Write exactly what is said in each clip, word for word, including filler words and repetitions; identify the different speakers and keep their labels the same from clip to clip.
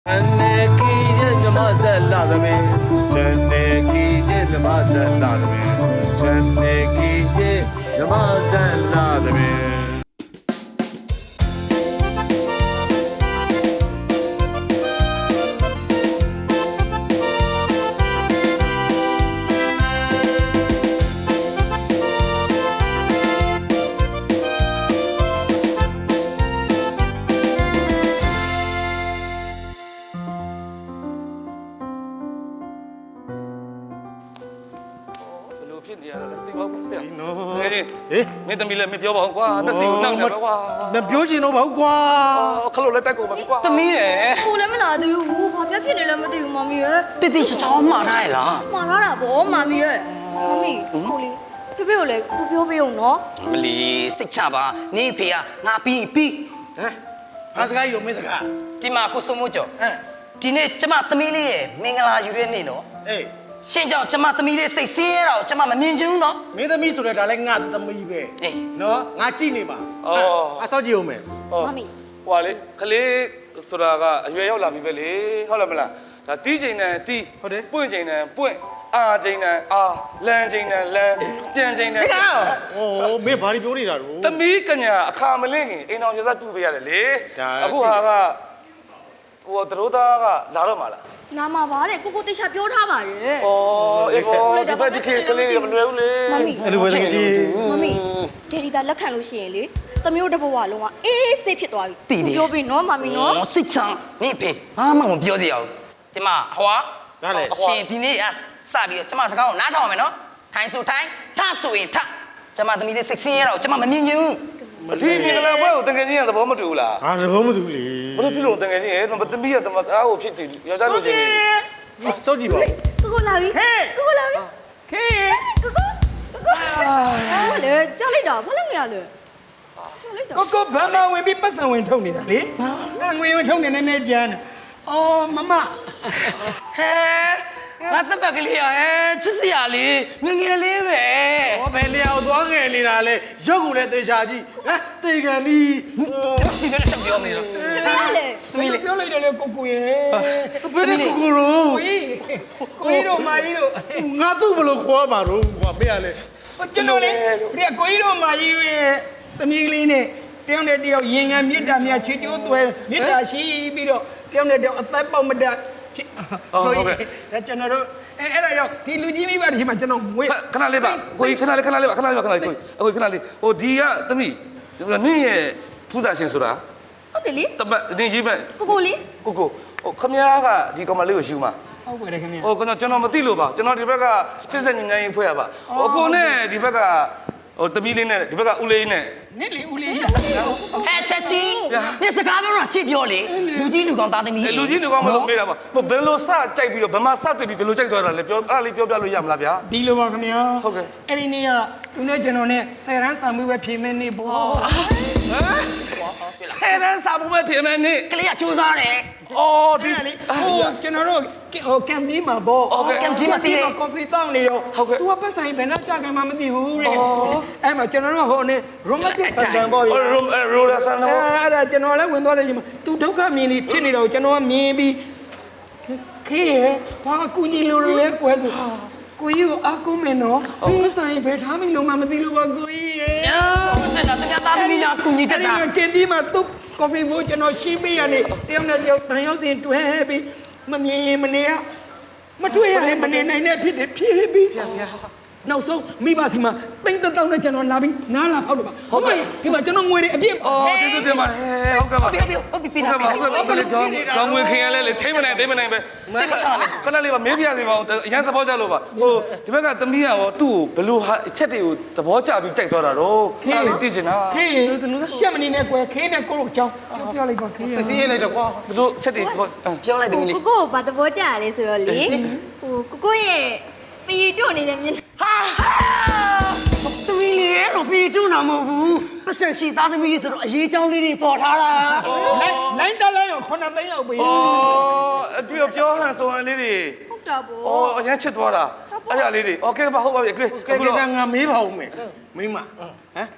Speaker 1: မင်းသမီးလည်းမပြောပါဘူးကွာမျက်စိကိုနှောက်နေပါကွာမ
Speaker 2: ပြောချင်တော့ပါဘူးကွာ
Speaker 1: ခလုတ်လည်းတိုက်ကုန်ပါပြီကွာ
Speaker 3: သမီးရယ်
Speaker 4: ကိုလည်းမလာသေးဘူးဘာပြဖြစ်နေလဲမသိဘူးမမီရယ်
Speaker 3: တိတိချာချာမှားထားရလား
Speaker 4: မှားထားတာဗောမမီရယ်မမီကိုလေးဖေဖေကိုလည်းကိုပြောပေးအောင်နော်
Speaker 3: မလီစိတ်ချပါနေဖေကငါပြီးပြီး
Speaker 2: ဟမ်ဘာစကားယူမင်းစကား
Speaker 3: ဒီမှာကိုစုံမိုးကျော်ဟမ်ဒီနေ့ကျမသမီးလေးရဲ့မင်္ဂလာယူတဲ့နေ့နော်
Speaker 2: အေး
Speaker 3: ရှင်ကြောင့်ကျမသမီးလေးစိတ်ဆင်းရဲတာကိုကျမမမြင်ချင်ဘူးနော်
Speaker 2: မင်းသမီးဆိုတဲ့ဒါလည်းငါသမီးပဲအေးနော်ငါကြည့်နေပါ
Speaker 1: အော်
Speaker 2: အဆောက်ကြည့်အောင်မယ်
Speaker 4: မမီ
Speaker 1: ဟွာလေခလေးဆိုတာကအရွယ်ရောက်လာပြီပဲလေဟုတ်လားမလားဒါတီးချိန်နဲ့တီး
Speaker 2: ဟုတ်တယ်
Speaker 1: ပွင့်ချိန်နဲ့ပွင့်အာချိန်နဲ့အာလမ်းချိန်နဲ့လမ်းပြန်ချိန်နဲ့
Speaker 2: ဟိုမင်းဘာတွေပြောနေတာတို့
Speaker 1: သမီးကညာအခါမလင့်ခင်အိမ်တော်ပြသတူပေးရတယ်လေအခုဟာကဟိုတရိုးသားကလာတော့မှာလား
Speaker 4: လာမှာပါတဲ့ကိုကိုတေချာပြောထားပါတယ်
Speaker 1: ။အော်အေးဘောဒီဘက်ဒီခေတ်ကလေးမလွယ်ဘူးလေ
Speaker 4: ။မမီ
Speaker 2: အဲ့လိုပဲတကယ်ကြီး
Speaker 4: မမီဒေဒီတာလက်ခံလို့ရှိရင်လေသမီးတို့တဘဝလုံးကအေးစိတ်ဖြစ်သွားပြီ
Speaker 3: ။
Speaker 4: ပြောပြီးနော်မမီနော်
Speaker 3: ။စိတ်ချမ်းနေဖေဘာမှမပြောသေးရဘူး။ဒီမှာဟွာ
Speaker 2: နားလေ
Speaker 3: ရှင်ဒီနေ့စပြီးတော့ကျမစကားကိုနားထောင်မယ်နော်။ထိုင်ဆိုထိုင်ထဆိုရင်ထကျမသမီးလေးစိတ်ဆင်းရဲတော့ကျမမမြင်ချင်ဘူး
Speaker 1: ။ဒီမင်္ဂလာပွဲကိုတကယ်ချင်းရသဘောမတူဘူးလား
Speaker 2: ။ဟာသဘောမတူဘူးလေ
Speaker 1: ။ဘယ်လိုဖြစ်လို့တကယ်ချင်းရဲ့သမီးရတမအားကိုဖြစ်တယ်ယောက်ျားလိုချင်တယ်
Speaker 2: ။စောကြည့်ပါ
Speaker 4: ။ကိုကိုလာပြီ။ကိုကိုလာပြီ
Speaker 2: ။ခေ
Speaker 4: ကိုကိုကိုကိုဟာလေကြောက်လိုက်တာဘာလို့မရလဲ
Speaker 2: ။ကိုကိုဘာမှဝင်ပြီးပတ်စံဝင်ထုတ်နေတာလေ။ငါငွေဝင်ထုတ်နေနေနေကြမ်း။အော်မမဟ
Speaker 3: ဲငါတပတ်ကလေးရအဲချစ်စရာလေးငငယ်လေးပဲ
Speaker 2: ဟောဘယ်လျောက်သွားငယ်နေတာလဲရုပ်ကိုလည်းသေချာကြည့်ဟမ်သေကန်ဒီ
Speaker 3: ဒီကလည်းပြောနေလို့
Speaker 4: ဘာလဲ
Speaker 2: မင်းပြောလိုက်တယ်လေကိုကိုရဲ့ဘယ်နဲ့ကိုကိုရောကိုကြီးကိုကြီးတို့မာကြီးတို့ငါသူ့ဘလို့ခေါ်မှာတော့ကွာမင်းကလေကျွန်တော်လေဒီကိုကြီးတို့မာကြီးရဲ့သမီးကလေးနဲ့တယောက်နဲ့တယောက်ရင်ငံမြစ်တာမြချစ်ကျိုးသွဲမြစ်တာရှိပြီးတော့တယောက်နဲ့တယောက်အသက်ပေါက်မတတ်
Speaker 1: ဟုတ်ကဲ့
Speaker 2: ဒါကျွန်တော်တို့အဲအဲ့ဒါရောက်ဒီလူကြီးမိဘတွေမှာကျွန်တော်ငွေ
Speaker 1: ခဏလေးပါကိုကြီးခဏလေးခဏလေးပါခဏလေးပါခဏလေးကိုအခုခဏလေးဟိုဒီကသမီးနင်းရဲ့ဖူးစာရှင်ဆိုတာ
Speaker 4: ဟုတ်တယ်လေ
Speaker 1: တပတ်နင်းရေးမဲ့
Speaker 4: ကိုကိုလေး
Speaker 1: ကိုကိုဟိုခမ ्या ကဒီကောင်မလေးကိုရှူမှာ
Speaker 2: ဟုတ်ကဲ့ခင်ဗျာ
Speaker 1: ဟိုကျွန်တော်ကျွန်တော်မသိလို့ပါကျွန်တော်ဒီဘက်ကစစ်စစ်ညဉ့်ညဉ့်ဖွဲ့ရပါဟိုကိုနဲ့ဒီဘက်ကဟိုတမီးလေးနဲ့ဒီဘက်ကဦးလေးနဲ့
Speaker 2: နစ်လီဦးလေး
Speaker 3: ဟဲ့ချက်ကြီးနေစကားပြောတော့ချစ်ပြောလေလူကြီးလူကောင်သားသမီး
Speaker 1: လူကြီးလူကောင်မလို့မေးတာပါဘယ်လိုစကြိုက်ပြီးတော့ဘယ်မှာစတွေ့ပြီးဘယ်လိုကြိုက်သွားတာလဲပြောအဲ့ဒါလေးပြောပြလို့ရမလားဗျာ
Speaker 2: ဒီလိုပါခင်ဗျာ
Speaker 1: ဟုတ်ကဲ့
Speaker 2: အဲ့ဒီနေ့ကသူနဲ့ကျွန်တော်နဲ့ဆယ်ရန်စာမှုပဲဖြေမဲ့နေ့ပေါ့ဟမ်
Speaker 1: ဆယ်ရန်စာမှုပဲဖြေမဲ့နေ့
Speaker 3: ကလေးကစူးစားတယ်
Speaker 1: အော်ဒီ
Speaker 2: လေဟိုကျွန်တော်တို့ဟိုကမ်ပင်းမှာပေါ့
Speaker 3: ကမ်ပင်းမှာတည်တယ်
Speaker 2: ကော်ဖီတောင်းနေတော့ तू ကပတ်ဆိုင်ဘယ်နှကြခံမှမသိဘူးတဲ့အဲ့မှာကျွန်တော်တို့ဟိုနေရိုမန်တစ်ဆန်တန်ပေါ့ဗျာ
Speaker 1: ရိုဒါဆန်တော့
Speaker 2: အဲ့ဒါကျွန်တော်လည်းဝင်သွားတယ်ညီမ तू ဒုက္ခမြင်နေဖြစ်နေတော့ကျွန်တော်ကမြင်ပြီးခေးဘာကူညီလို့လဲကွယ်ဆိုကိုကြီးကိုအကုမယ်နော်ပတ်ဆိုင်ဘယ်ထားမိလို့မှမသိလို့ပါကိုကြီးရဲ့
Speaker 3: အဲ့ဒါတရားသားသမီးများကူညီတတ်တာ
Speaker 2: ကင်တီမှာသူ့ကော်ဖီဘိုးကျွန်တော်ရှင်းပေးရနေတယောက်နဲ့တယောက်တန်ရောက်စဉ်တွဲပြီးမမြင်မနေရမတွေ့ရရင်မနေနိုင်တဲ့ဖြစ်တယ်ဖြစ်ပြီးနောက်ဆုံးမိဘစီမှာတိတ်တောင်းနဲ့ကျွန်တော်လာပြီးနားလာဖောက်တော့ပါဟုတ်ကဲ့ဒီမှာကျွန်တော်ငွေတွေအပြည့်
Speaker 1: အော်ဒီလိုတင်ပါတယ်ဟုတ်ကဲ့ပါ
Speaker 3: ဟုတ်ပြီဟုတ်ပြီပြီ
Speaker 1: ဟုတ်ကဲ့ပါဟုတ်ကဲ့ပါလေတော့တော့ငွေခင်ရလဲလေထိမ့်မနိုင်သိမနိုင်ပဲ
Speaker 3: စိတ်မချနဲ့
Speaker 1: ခဏလေးပါမေးပြစီပါဦးအရင်သဘောကျလို့ပါဟိုဒီဘက်ကသမီးကရောသူ့ကိုဘယ်လိုအချက်တွေကိုသဘောကျပြီးကြိုက်သွားတာတော့အဲ့ဒါသိချင်တာ
Speaker 2: ခေးရှက်မနေနဲ့ကွယ်ခေးနဲ့ကိုတို့အကြောင်းပြောလိုက်ပါခေး
Speaker 1: စစ်စီးလိုက်တော့ကွာဘယ်လိုချက်တွေ
Speaker 3: ပြောလိုက်တယ်မင်းလေး
Speaker 4: ကိုကိုဘာသဘောကျရလဲဆိုတော့လေဟိုကိုကိုရဲ့ပီတို့နေတဲ့မြင်
Speaker 3: ဟာသမီးလေးတော့ပီတို့နာမဟုတ်ဘူးပတ်စံရှိသားသမီးလေးဆိုတော့အရေးချောင်းလေးတွေပေါ်ထားတာ
Speaker 2: လိုင်းလိုင်းတက်လဲရောခုနှစ်သိန်းလောက်ပေး
Speaker 1: အော်အတီပြောဟန်ဆိုဟန်လေးတွေ
Speaker 4: ဟုတ်တာဗော
Speaker 1: အော်အရင်ချစ်သွားတာအဲ့ဒါလေးတွေโอเคပါဟုတ်ပါပြီကဲ
Speaker 2: ကဲကဲငါမေးပါဦးမယ်မိမဟမ်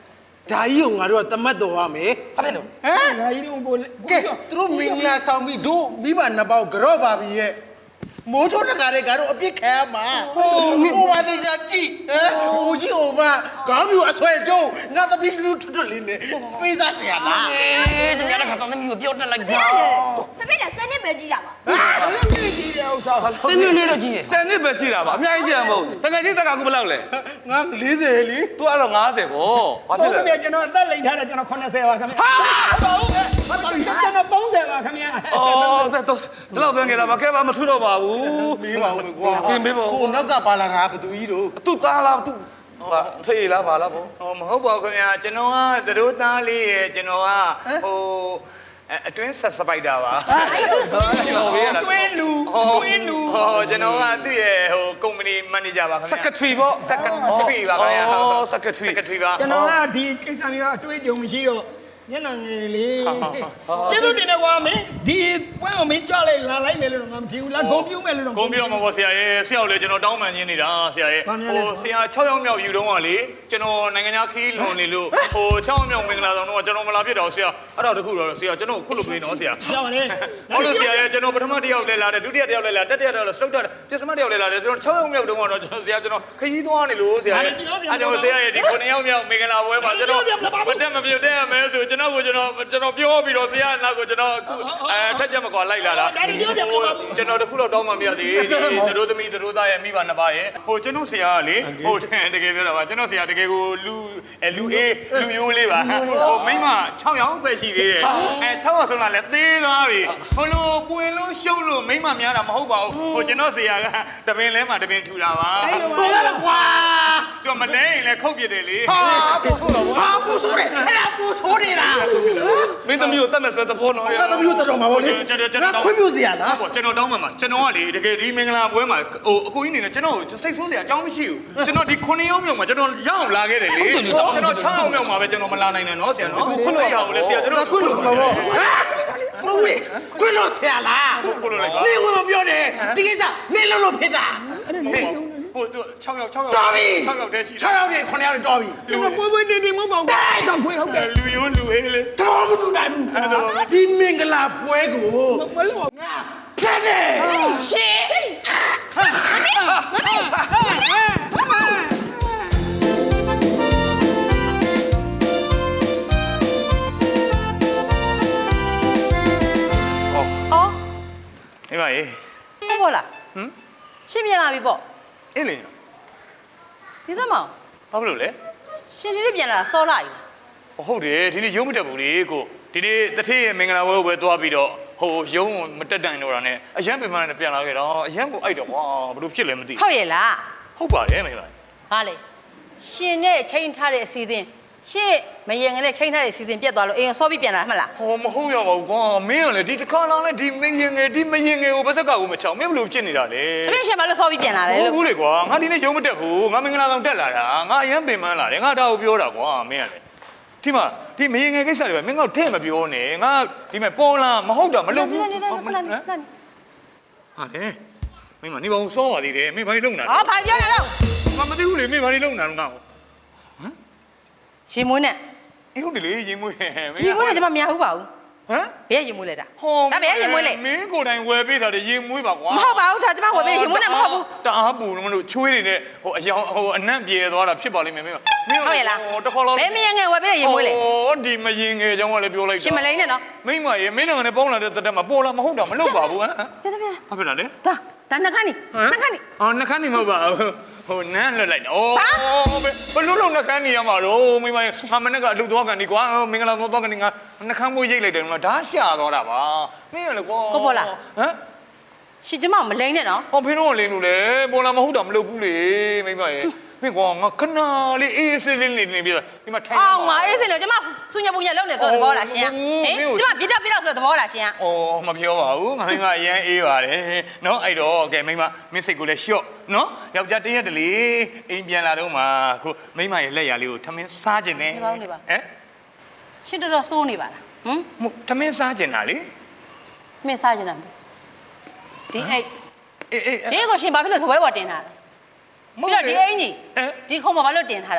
Speaker 5: ဒါကြီးကိုငါတို့ကတမတ်တော်ရမယ်
Speaker 3: ဘာဖြစ်လို့
Speaker 5: ဟမ်
Speaker 2: ဒါကြီးတော့ကို
Speaker 5: ကဲသူတို့မင်္ဂလာဆောင်ပြီးတို့မိဘနှစ်ပေါက်ကြော့ပါပြီရဲ့မိုးထိုးတကားတဲ့ကတော့အပြစ်ခံရမှာဟိုဟိုပါသေးချာကြည့်ဟမ်ဟိုကြီးဟိုမှာခေါင်းပြူအဆွဲကျုံငါသမီးလူထွတ်ထွတ်လေးနဲ့ပေးစားเสียလား
Speaker 3: အေးတကယ်တော့ခါတော့သမီးကိုပြောတက်လိုက်ကြ
Speaker 4: ဖေဖေကစနစ်ပဲကြီးတာပါ
Speaker 2: ဘာလို့မြည်ကြည့်ရဥစ္စာ
Speaker 3: တင်းနေနေတော့ကြီးရဲ့
Speaker 1: ဆယ်နှစ်ပဲရှိတာပါအများကြီးရှိတာမဟုတ်တကယ်ကြီးတက်ကခုဘယ်လောက်လဲ
Speaker 5: ငါလေးဆယ်လी
Speaker 1: तू အဲ့တော့50ပေါ့ဘာဖြစ်
Speaker 2: ဟုတ်
Speaker 1: လဲ
Speaker 2: ကဲ့ကျွန်တော်အသက်လိမ်ထားတယ်ကျွန်တော်80ပါခင်ဗျာဟာဟုတ်ကဲ့ဘာတော်ကျွန်တော်30ပါခင်ဗျာ
Speaker 1: အော်တော့ဒီလောက်ပြန်ကြတာမကဲပါမထူတော့ပါဘူး
Speaker 5: မေးပါဦးကွာ
Speaker 1: ပြင်ပေးပါဦး
Speaker 5: ဟိုနောက်ကပါလာတာဘသူကြီးတို့
Speaker 1: သူ့သားလားသူ့ဟာဖေးလားပါလားပေါ့
Speaker 6: ဟောမဟုတ်ပါဘူးခင်ဗျာကျွန်တော်ကသတို့သားလေးရဲ့ကျွန်တော်ကဟိုအတွင်းဆက်စပိုက်တာပါ
Speaker 1: ကျွန်တော်ဘေးရတာ
Speaker 2: တွင်းလူတွင်းလူ
Speaker 6: ဟောကျွန်တော်ကသူ့ရဲ့ဟိုကုမ္ပဏီမန်နေဂျာပါခင်ဗျာ
Speaker 1: secretary ပေါ့
Speaker 6: secretary ပါခင်ဗျာ
Speaker 1: အော် secretary
Speaker 6: secretary ပါ
Speaker 2: ကျွန်တော်ကဒီကိစ္စမျိုးအတွေ့အကြုံမရှိတော့မျက်နှာငယ်လေကျေးဇူးတင်တယ်ကွာမင်းဒီပွဲကိုမင်းကြွလိုက်လာလိုက်မယ်လို့ငါမထင်ဘူးလားဂုံပြူးမယ်လို့တော့
Speaker 6: ကုန်းပြောမှာပေါ့ဆရာရဲ့ဆရာကိုလည်းကျွန်တော်တောင်းပန်ခြင်းနေတာဆရာရဲ့ဟိုဆရာ6ယောက်မြောက်ယူတော့ကလေကျွန်တော်နိုင်ငံခြားခီးလွန်နေလို့ဟို6ယောက်မြောက်မင်္ဂလာဆောင်တော့ကျွန်တော်မလာဖြစ်တော့ဆရာအဲ့တော့တခုတော့ဆရာကျွန်တော်ခုလုပ်ပေးနော်ဆရာ
Speaker 2: ကြောက်ပါလေ
Speaker 6: ဟုတ်လို့ဆရာရဲ့ကျွန်တော်ပထမတစ်ယောက်လဲလာတယ်ဒုတိယတစ်ယောက်လဲလာတတိယတစ်ယောက်လဲစတုတ်တာပြစမတစ်ယောက်လဲလာတယ်ကျွန်တော်6ယောက်မြောက်တုန်းကတော့ကျွန်တော်ဆရာကျွန်တော်ခရီးသွားနေလို့ဆရာရဲ့အဲ့တော့ဆရာရဲ့ဒီ9ယောက်မြောက်မင်္ဂလာပွဲမှာကျွန်တော်မတက်မပြုတ်တဲ့မယ်ဆိုကျွန်တော်ကိုကျွန်တော်ကျွန်တော်ပြောပြီးတော့ဆရာနောက်ကိုကျွန်တော်အဲထက်ချက်မကွာလိုက်လာတာကျွန်တော်တခုတော့တောင်းမှမရသေးဒီတို့သမီးတို့သားရဲ့မိဘနှစ်ပါးရဲ့ဟိုကျွန်တော်ဆရာကလေဟိုတကယ်ပြောတာပါကျွန်တော်ဆရာတကယ်ကိုလူလူအေးလူယိုးလေးပါဟိုမိမ6ယောက်ပဲရှိသေးတယ်အဲ6ယောက်ဆုံးလာလဲသေးသွားပြီဟိုလိုပွင့်လို့ရှုံးလို့မိမများတာမဟုတ်ပါဘူးဟိုကျွန်တော်ဆရာကတပင်လဲမှာတပင်ထူတာပါ
Speaker 5: တော်ရကွာ
Speaker 6: ကျွန်တော်မလဲရင်လည်းခုတ်ပြတယ်လေ
Speaker 5: ဟာပူဆိုးတော့ဟာပူဆိုးတယ်အဲ့ဒါပူဆိုးနေတာ
Speaker 1: မင်းသမီးကိုတတ်မဲ့ဆိုတဲ့ဘောနော်
Speaker 5: ငါသမီးတို့တော်မှာဗောလေငါခွင့်ပြုเสียလား
Speaker 6: ဟုတ်ကျွန်တော်တောင်းမှမှာကျွန်တော်ကလေတကယ်ဒီမင်္ဂလာပွဲမှာဟိုအကိုကြီးနေနဲ့ကျွန်တော်စိတ်ဆိုးစရာအကြောင်းမရှိဘူးကျွန်တော်ဒီ9ယောက်မြောက်မှာကျွန်တော်ရအောင်လာခဲ့တယ်လေကျွန်တော်6ယောက်မြောက်မှာပဲကျွန်တော်မလာနိုင်နဲ့နော်ဆရာနော်ခုလို့ရအောင်လေဆရာကျွန်တော်
Speaker 5: ခွင့်လို့မှာဗောဟမ်ဘဝေခွင့်လို့เสียလား
Speaker 6: ခုလို့လိုက်ပါ
Speaker 5: နေဝင်မပြောနဲ့ဒီကိစ္စနေလို့လို့ဖြစ်တာ
Speaker 6: ဟို6ယောက်6ယောက်
Speaker 5: တော်ပြီ
Speaker 6: 6ယောက်တည်းရှိ
Speaker 5: 6ယောက်နဲ့9ယောက်နဲ့တော်ပြီ
Speaker 2: ကျွန်တော်ပွဲပွဲတင်းတင်းမဟုတ်ပါဘူးတော့ခွေးဟုတ်တယ်
Speaker 6: လူယိုးလူအေးလေ
Speaker 5: တော်မတူနိုင်ဘူးဒီမင်္ဂလာပွဲကို
Speaker 2: မလို့
Speaker 5: ငါဖြတ်တယ်
Speaker 3: ရှင်
Speaker 7: အော်
Speaker 6: မိမရေ
Speaker 7: ဟုတ်ပါလားဟမ်ရှင်းပြန်လာပြီပေါ့
Speaker 6: အင်းလေ
Speaker 7: ဒီစက်မောင်
Speaker 6: ဘာဖြစ်လို့လဲ
Speaker 7: ရှင်ရှင်လေးပြန်လာစောလာပြီ
Speaker 6: ဟုတ်တယ်ဒီနေ့ရုံးမတက်ဘူးလေကိုဒီနေ့တထေးရဲ့မင်္ဂလာပွဲကိုပဲသွားပြီးတော့ဟိုရုံးမတက်တိုင်တော့တာနဲ့အရန်ပင်မနဲ့ပြန်လာခဲ့တော့အရန်ကိုအိုက်တော့ကွာဘာလို့ဖြစ်လဲမသိ
Speaker 7: ဟုတ်ရဲ့လား
Speaker 6: ဟုတ်ပါတယ်မိမ
Speaker 7: ဟာလေရှင်နဲ့ချိန်ထားတဲ့အစီအစဉ်ရှင်မရင်ငနဲ့ချိန်ထားတဲ့အစီအစဉ်ပြတ်သွားလို့အိမ်စောပြီးပြန်လာမှလား
Speaker 6: ဟောမဟုတ်ရပါဘူးကွာမင်းကလေဒီတစ်ခါလောင်းလေဒီမင်းရင်ငယ်ဒီမရင်ငယ်ကိုဘာသက်ကကိုမချောင်မင်းဘလို့ဖြစ်နေတာလဲ
Speaker 7: တပည့်ရှင်ဘာလို့စောပြီးပြန်လာလဲ
Speaker 6: ဟုတ်
Speaker 7: လို့
Speaker 6: ဘူးလေကွာငါဒီနေ့ရုံးမတက်ဘူးငါမင်္ဂလာဆောင်တက်လာတာငါအရန်ပင်မလာတယ်ငါဒါကိုပြောတာကွာမင်းကလေဒီမှာဒီမရင်ငယ်ကိစ္စတွေပဲမင်းကထဲ့မပြောနဲ့ငါဒီမဲ့ပေါ်လာမဟုတ်တာမလုပ်ဘူး
Speaker 7: နေနေနေခဏနေခဏနေ
Speaker 6: ဟာလေမင်းမနေပါဦးစောပါသေးတယ်မင်းဘာလို့လုံနေတာ
Speaker 7: အော်ဘာပြောနေတော့
Speaker 6: ငါမသိဘူးလေမင်းဘာလို့လုံနေတာလဲငါ့ကို
Speaker 7: ရှင်မွေးနဲ့
Speaker 6: အေးဟုတ်တယ်လေရင်မွေးမင်း
Speaker 7: ဒီမွေးနဲ့ကျွန်မမရဘူးပါဘူး
Speaker 6: ဟမ်
Speaker 7: ဘယ်ရင်မွေးလဲတာ
Speaker 6: ဟော
Speaker 7: ဒါဘယ်ရင်မွေးလဲ
Speaker 6: မင်းကိုယ်တိုင်ဝယ်ပေးတာလေရင်မွေးပါကွာ
Speaker 7: မဟုတ်ပါဘူးဒါကျွန်မဝယ်ပေးရင်မွေးနဲ့မဟုတ်ဘူး
Speaker 6: တအားပူလို့မလို့ချွေးတွေနဲ့ဟိုအယောင်ဟိုအနံ့ပြေသွားတာဖြစ်ပါလိမ့်မယ်မင်းမင်း
Speaker 7: ဟုတ်ရဲ့လား
Speaker 6: ဟိုတစ်ခါတော့
Speaker 7: ဘယ်မရင်ငယ်ဝယ်ပေးရင်မွေးလဲ
Speaker 6: ဟောဒီမရင်ငယ်ကြောင်းကလည်းပြောလိုက်တာ
Speaker 7: ရှင်မလိန်နဲ့နော်
Speaker 6: မိမရေမင်းလည်းငါနဲ့ပေါင်းလာတဲ့တက်တက်မှာပေါ်လာမဟုတ်တာမလုပ်ပါဘူးဟမ်
Speaker 7: ပြပြပြ
Speaker 6: ဘာဖြစ်လာလဲ
Speaker 7: ဒါဒါနှခမ်းနေနှခမ်းနေ
Speaker 6: အော်နှခမ်းနေမဟုတ်ပါဘူးဟိုနန်းလွတ်လိုက်တာဩဘယ်လိုလုပ်နှခမ်းနေရမှာတော့မိမငါမနဲ့ကအလုပ်သွားကန်ဒီကွာမင်္ဂလာသွားသွားကန်ဒီငါနှခမ်းမိုးရိတ်လိုက်တယ်နော်ဒါရှာသွားတာပါမင်းရလေကွာဟမ်
Speaker 7: ရှင်ကျမမလိန်နဲ့နော်
Speaker 6: ဟောဖေးတော့လင်းလို့လေပေါ်လာမဟုတ်တာမလုပ်ဘူးလေမိမရေမင်းကွာငါခဏလေးအေးဆေးလေးနေနေပြီဒီမှာထိုင်
Speaker 7: အော်ငါအေးစင်လို့ကျမဆူညပူညလုံးနေဆိုတဲ့သဘောလားရှင်ဟင်ကျမပြတော့ပြတော့ဆိုတဲ့သဘောလားရှင်
Speaker 6: ဩမပြောပါဘူးငါမင်းကအရန်အေးပါတယ်နော်အဲ့တော့ကဲမိမမင်းစိတ်ကိုလည်းလျှော့နော်ယောက်ျားတရက်တလေအိမ်ပြန်လာတော့မှခုမိမရဲ့လက်ရလေးကိုထမင်းစားခြင်းနဲ့ဟမ်
Speaker 7: ရှင်တော်တော်စိုးနေပါလားဟမ်
Speaker 6: ထမင်းစားခြင်းလားလေ
Speaker 7: မင်းစားချင်တာဒီအိတ်
Speaker 6: အေးအေး
Speaker 7: ဒီကိုရှင်ဘာဖြစ်လို့စပွဲပေါ်တင်ထားလဲပြီးတော့ဒီအိမ်ကြီးဒီခုံမှာဘာလို့တင်ထားတာ
Speaker 6: မ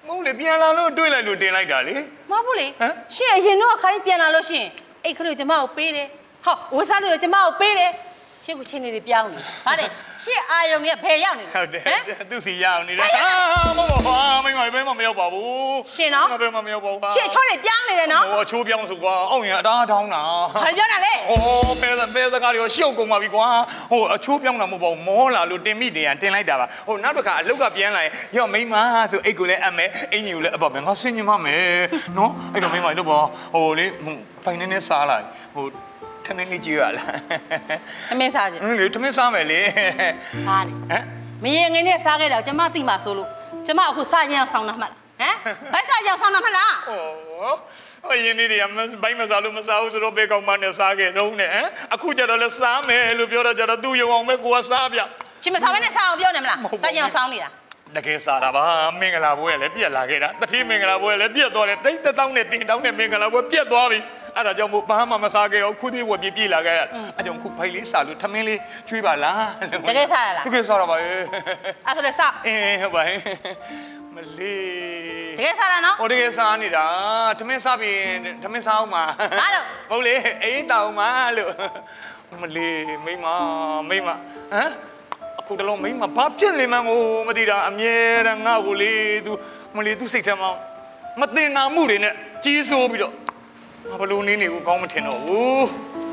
Speaker 6: မဟုတ်လေပြန်လာလို့တွေ့လိုက်လို့တင်လိုက်တာလေ
Speaker 7: မဟုတ်ဘူးလေရှင့်အရင်တော့ခါရင်ပြန်လာလို့ရှင့်အိတ်ခလို့ကျမကိုပေးတယ်ဟောဝစားလို့ကျမကိုပေးတယ်ရှင့်ကိုချင်းနေတွေပြောင်းနေဗါတယ်ရှင့်အာယုံတွေကဘယ်ရောက်နေလဲ
Speaker 6: ဟုတ်တယ်သူစီရအောင်နေတယ်ဟာမဟုတ်ပါဘူးမိမဘယ်မှမရောက်ပါဘူး
Speaker 7: ရှင်နော်
Speaker 6: ဘယ်မှမရောက်ပါဘူး
Speaker 7: ရှင့်ချောနေပြောင်းနေတယ်နော်
Speaker 6: ဟိုအချိုးပြောင်းဆိုကွာအောင့်ရင်အတားထောင်းတာ
Speaker 7: ဘာပြောတာလဲ
Speaker 6: โอ้เปเปสကားတွေရှုပ်ကုန်ပါပြီကွာဟိုအချိုးပြောင်းတာမဟုတ်ပါဘူးမောလာလို့တင်မိတင်ရတင်လိုက်တာပါဟိုနောက်တစ်ခါအလုတ်ကပြန်လာရင်ရော့မိမဆိုအိတ်ကိုလည်းအပ်မယ်အင်ကြီးကိုလည်းအပ်ပါမယ်ငါဆင်းညင်မမယ်နော်အဲ့တော့မိမလို့ပေါ့ဟိုလေဖိုင်နေနဲ့စားလိုက်ဟိုထမင်းလေးကြည့်ရလား
Speaker 7: အမင်းစားခြင်း
Speaker 6: အင်းလေထမင်းစားမယ်လေ
Speaker 7: ဟာလေ
Speaker 6: ဟမ်
Speaker 7: မရင်ငင်းနဲ့စားခဲ့တော့ကျမသိမှဆိုလို့ကျမအခုစားရင်အောင်ဆောင်းတာမှတ်လားဟမ်ဘယ်စားရင်အောင်ဆောင်းတာမှတ်လား
Speaker 6: โอ้အရင်နေ့တွေကဘိုင်းမစားလို့မစားဘူးဆိုတော့ဘေးကောင်မနဲ့စားခဲ့တော့နဲ့ဟမ်အခုကျတော့လဲစားမယ်လို့ပြောတော့ကျတော့သူ့ယုံအောင်ပဲကိုကစားပြ
Speaker 7: ရှင်မစားဘဲနဲ့စားအောင်ပြောနေမလားစားရင်အောင်ဆောင်းနေတာ
Speaker 6: တကယ်စားတာပါမင်္ဂလာပွဲလည်းပြက်လာခဲ့တာတတိမင်္ဂလာပွဲလည်းပြက်သွားတယ်တိတ်တတောင်းနဲ့တင်တောင်းနဲ့မင်္ဂလာပွဲပြက်သွားပြီအဲ့ဒါကြောင့်မို့ဘာမှမစားခဲ့အောင်ခွေးပြေးဝက်ပြေးပြေးလာခဲ့အဲ့ကြောင့်ခုဖိုင်လေးစားလို့ထမင်းလေးချွေးပါလား
Speaker 7: တကယ်စားရလား
Speaker 6: တကယ်စားတာပါရဲ့
Speaker 7: အဲ့ဆိုလည်းစား
Speaker 6: အင်းဟုတ်ပါရဲ့မလေး
Speaker 7: တကယ်စားတာနော်
Speaker 6: ဟိုတကယ်စားနေတာထမင်းစားပြီးထမင်းစားအောင်ပါ
Speaker 7: ဘာလို့
Speaker 6: ဟုတ်လေအေးတောင်းပါလို့မလေးမိမမိမဟမ်အခုတလုံးမိမဘာဖြစ်နေမှန်းကိုမသိတာအမြဲတမ်းငါ့ကိုလေ तू မလေး तू စိတ်ထဲမှာမတင်နာမှုတွေနဲ့ကြီးစိုးပြီးတော့ဘလို့နေနေကိုကောင်းမထင်တော့ဘူး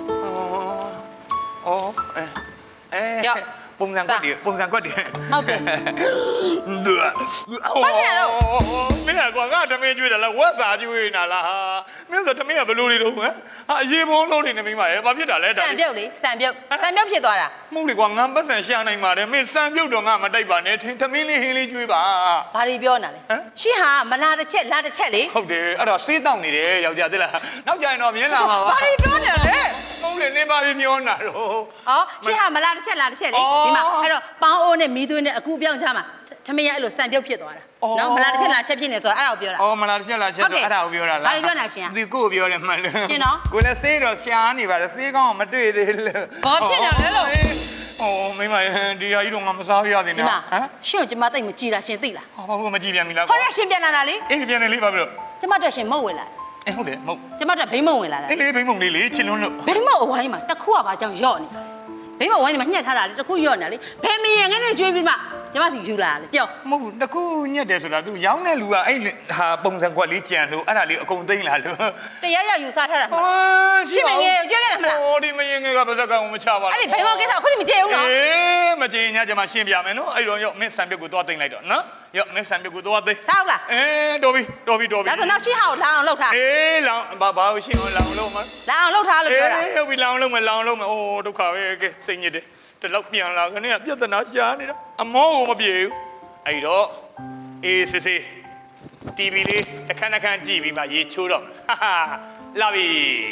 Speaker 6: အော်အဲအဲပုံစံကွက်တွေပုံစံကွက်တွေ
Speaker 7: ဟုတ်တယ်
Speaker 6: ဒူဘာဖြစ်လဲမင်းကွာငါတမင်းကျွေးတယ်လားဝက်စာကျွေးနေတာလားဟာမင်းဆိုတမင်းကဘလို့နေတော့ဟမ်ဟာအရေးဘုံလုံးနေနေမိမရဲ့ဘာဖြစ်တာလဲ
Speaker 7: စံပြုတ်လေစံပြုတ်စံပြုတ်ဖြစ်သွားတာ
Speaker 6: မဟုတ်လေကွာငါပတ်စံရှာနိုင်ပါတယ်မင်းစံပြုတ်တော့ငါမတိုက်ပါနဲ့ထင်းတမင်းလေးဟင်းလေးကျွေးပါ
Speaker 7: ဘာတွေပြောနေတာလဲရှင်းဟာမလာတစ်ချက်လာတစ်ချက်လေ
Speaker 6: ဟုတ်တယ်အဲ့တော့စေးတောက်နေတယ်ယောက်ျားသိလားနောက်ကြရင်တော့မြင်လာမှာပါ
Speaker 7: ဘာတွေပြောနေလဲ
Speaker 6: မဟုတ်လေနေပါပြီးမျောနာတော့
Speaker 7: အော်ရှင်းဟာမလာတစ်ချက်လာတစ်ချက်လေဒီမှာအဲ့တော့ပေါင်းအိုးနဲ့မီးသွင်းနဲ့အကူပြောင်းချမှာထမင်းရအဲ့လိုစံပြုတ်ဖြစ်သွားတာနော်မလာတစ်ချက်လာချက်ဖြစ်နေဆိုတာအဲ့ဒါကိုပြောတာ
Speaker 6: အော်မလားတစ်ချက်လားချက်တော့အဲ့ဒါကိုပြောတာလား
Speaker 7: ဘာတွေပြောနေတာရှင်
Speaker 6: ဒီကိုပြောတယ်မှန်လို့
Speaker 7: ရှင်နော်
Speaker 6: ကိုလည်းစေးတော့ရှားနေပါတယ်စေးကောင်းမတွေ့သေးလို့
Speaker 7: ဘာဖြစ်နေလဲလို့
Speaker 6: အော်မိမဒီဟာကြီးတော့ငါမစားရသေး
Speaker 7: ဒီ
Speaker 6: နဲ့
Speaker 7: မှာ
Speaker 6: ဟမ်
Speaker 7: ရှင့်ကိုကျမတိတ်မကြည်တာရှင်သိလား
Speaker 6: ဟောဘာလို့မကြည့်ပြန်ပြီလား
Speaker 7: ဟောတဲ့ရှင်ပြန်လာတာလေ
Speaker 6: အေးပြန်နေလေးပါပြီလို့
Speaker 7: ကျမတက်ရှင်မဟုတ်ဝင်လာ
Speaker 6: အေးဟုတ်တယ်မဟုတ်
Speaker 7: ကျမတက်ဘိမ့်မဝင်လာတာ
Speaker 6: အေးလေးဘိမုံလေးလေးချစ်လွန်းလို့
Speaker 7: ဘိမ့်မအဝိုင်းမှာတစ်ခုကဘာကြောင့်ယော့နေတာဘိမ့်မအဝိုင်းမှာညှက်ထားတာလေတစ်ခုယော့နေတာလေဘယ်မရင်ငယ်နဲ့ကျွေးပြီးမှကျမစီယူလာလေပြော
Speaker 6: မဟုတ်တကူညက်တယ်ဆိုတာ तू ရောင်းတဲ့လူကအဲ့ဟာပုံစံကွက်လေးကြံလို့အဲ့ဒါလေးအကုန်သိမ့်လာလို့
Speaker 7: တရားရယူစားထားတာမှာ
Speaker 6: ရှိပါဘူး
Speaker 7: ကျွေးခဲ့တယ်မလား
Speaker 6: ဟိုဒီမရင်ငယ်ကပါဇက်ကမချပါဘူး
Speaker 7: အဲ့ဒီဘိမ့်မကိစ္စခုနမကြည့်အောင်နော်
Speaker 6: အေးမကြင်ညကျမရှင်းပြမယ်နော်အဲ့တော့ရော့မင်းဆံပြုတ်ကိုသွားသိမ့်လိုက်တော့နော်ရော့မင်းဆံပြုတ်ကိုသွားသိမ့်
Speaker 7: စားအောင်လား
Speaker 6: အေးတော်ပြီတော်ပြီတော်ပြီ
Speaker 7: ဒါဆိုနောက်ရှိဟာကိုလာအောင်လှုပ်ထား
Speaker 6: အေးလောင်ဘာဘာရှင်းအောင်လောင်လို့မ
Speaker 7: လာအောင်လှုပ်ထားလို့
Speaker 6: အေး
Speaker 7: ပြောတာ
Speaker 6: ဟုတ်ပြီလောင်လို့မလောင်လို့မအိုးဒုက္ခပဲကဲစိတ်ညစ်တယ်တလောက်ပြန်လာခနဲ့ပြဿနာရှားနေတာအမောကိုမပြေဘူးအဲ့တော့အေးစစ်စစ် တီဗီ လေးတစ်ခဏတစ်ခဏကြည့်ပြီးမှရေချိုးတော့ဟာဟာလာပြီ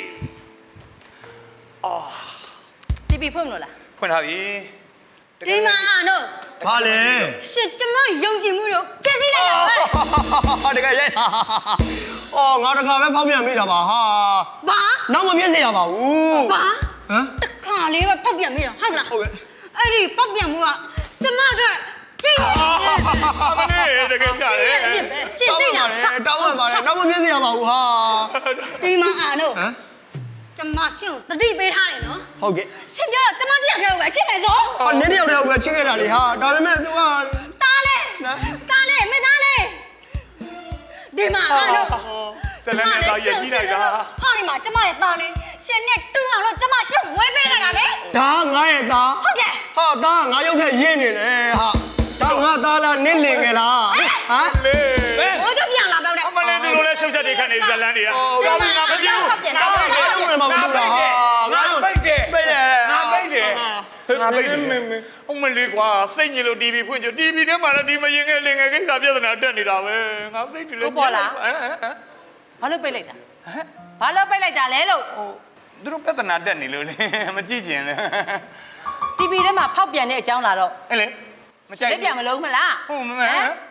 Speaker 6: အော်
Speaker 7: တီဗီဖွင့်လို့လား
Speaker 6: ဖွင့်ထားပြီ
Speaker 8: ဒီမှာအားတော့
Speaker 2: ဘာလဲ
Speaker 8: ရှင်ကျမယုံကြည်မှုတော့ပြည့်စည်လိုက်တာပဲ
Speaker 2: ဟာတကယ်ရိုက်အော်ငါတခါပဲဖောက်ပြန်မိတာပါဟာ
Speaker 8: ဘာ
Speaker 2: နောက်မပြည့်စေရပါဘူး
Speaker 8: ဘာ
Speaker 2: ဟမ်
Speaker 8: တခါလေးပဲပောက်ပြန်မိတာဟုတ်လား
Speaker 2: ဟုတ်ကဲ့
Speaker 8: အဲ့ဒီပောက်ပြန်မှုကကျမတို့ကြည့်ရ
Speaker 6: အမလေးတကယ်ကြတယ်
Speaker 8: အပြစ်ပဲရှင်သိလား
Speaker 2: တောင်းပန်ပါတယ်နောက်မပြည့်စေရပါဘူးဟာ
Speaker 8: ဒီမှာအားတော့
Speaker 2: ဟမ်
Speaker 8: ကျမရှင်ကိုတတိပေးထားတယ်နော်
Speaker 2: ဟုတ်ကဲ့
Speaker 8: ရှင်ပြောတော့ကျမတယောက်တည်းကိုပဲရှင်းမယ်ဆို
Speaker 2: ဟောနင်းတယောက်တယောက်ပဲချစ်ခဲ့တာလေဟာဒါပေမဲ့ तू က
Speaker 8: တားလေတားလေမင်းသားလေဒီမှာအားတော့
Speaker 6: ဆယ်လနဲ့သာရည်ကြီးလိုက်တာ
Speaker 8: ဟောဒီမှာကျမရဲ့တားလေးရှင်နဲ့တူအောင်လို့ကျမရှင်ဝဲပေးလိုက်တာလေ
Speaker 2: ဒါငါရဲ့သား
Speaker 8: ဟုတ်တယ်
Speaker 2: ဟာသားငါရုပ်ထက်ရင်းနေတယ်ဟာဒါငါသားလားနင်းလင်ခဲ့လားဟမ်
Speaker 6: လေ
Speaker 8: ဘိုးကျပြန်လာတော့တယ်
Speaker 6: အမလေးသူတို့လည်းရှုပ်ချက်တွေခတ်နေဇလန်းတွေက
Speaker 2: တော်ပြီ
Speaker 6: ငါမကြည့်ဘူး
Speaker 2: ငါရုပ်ဝင်မှာမတူတာဟာငါရုပ်
Speaker 6: ပိတ်တယ်
Speaker 2: ပိတ်တယ်
Speaker 6: ငါပိတ်တယ်ငါပိတ်တယ်အမလေးကွာစိတ်ညစ်လို့ တီဗီ ဖွင့်ကြ တီဗီ ထဲမှာလည်းဒီမရင်ငယ်လင်ငယ်ကိစ္စပြဿနာတက်နေတာပဲငါစိတ်တွေလည်းဟမ်ဟမ်
Speaker 7: ဘာလို့ပိတ်လိုက်တာဘာလို့ပိတ်လိုက်တာလဲလို့
Speaker 6: ဟိုသူတို့ပြဿနာတက်နေလို့လေမကြည့်ကျင်လေ
Speaker 7: တီဗီ ထဲမှာဖောက်ပြန်တဲ့အကြောင်းလာတော့
Speaker 6: အဲ့လေမကြိုက်
Speaker 7: လက်ပြန်မလုံးမလား
Speaker 6: ဟုတ်မမဲ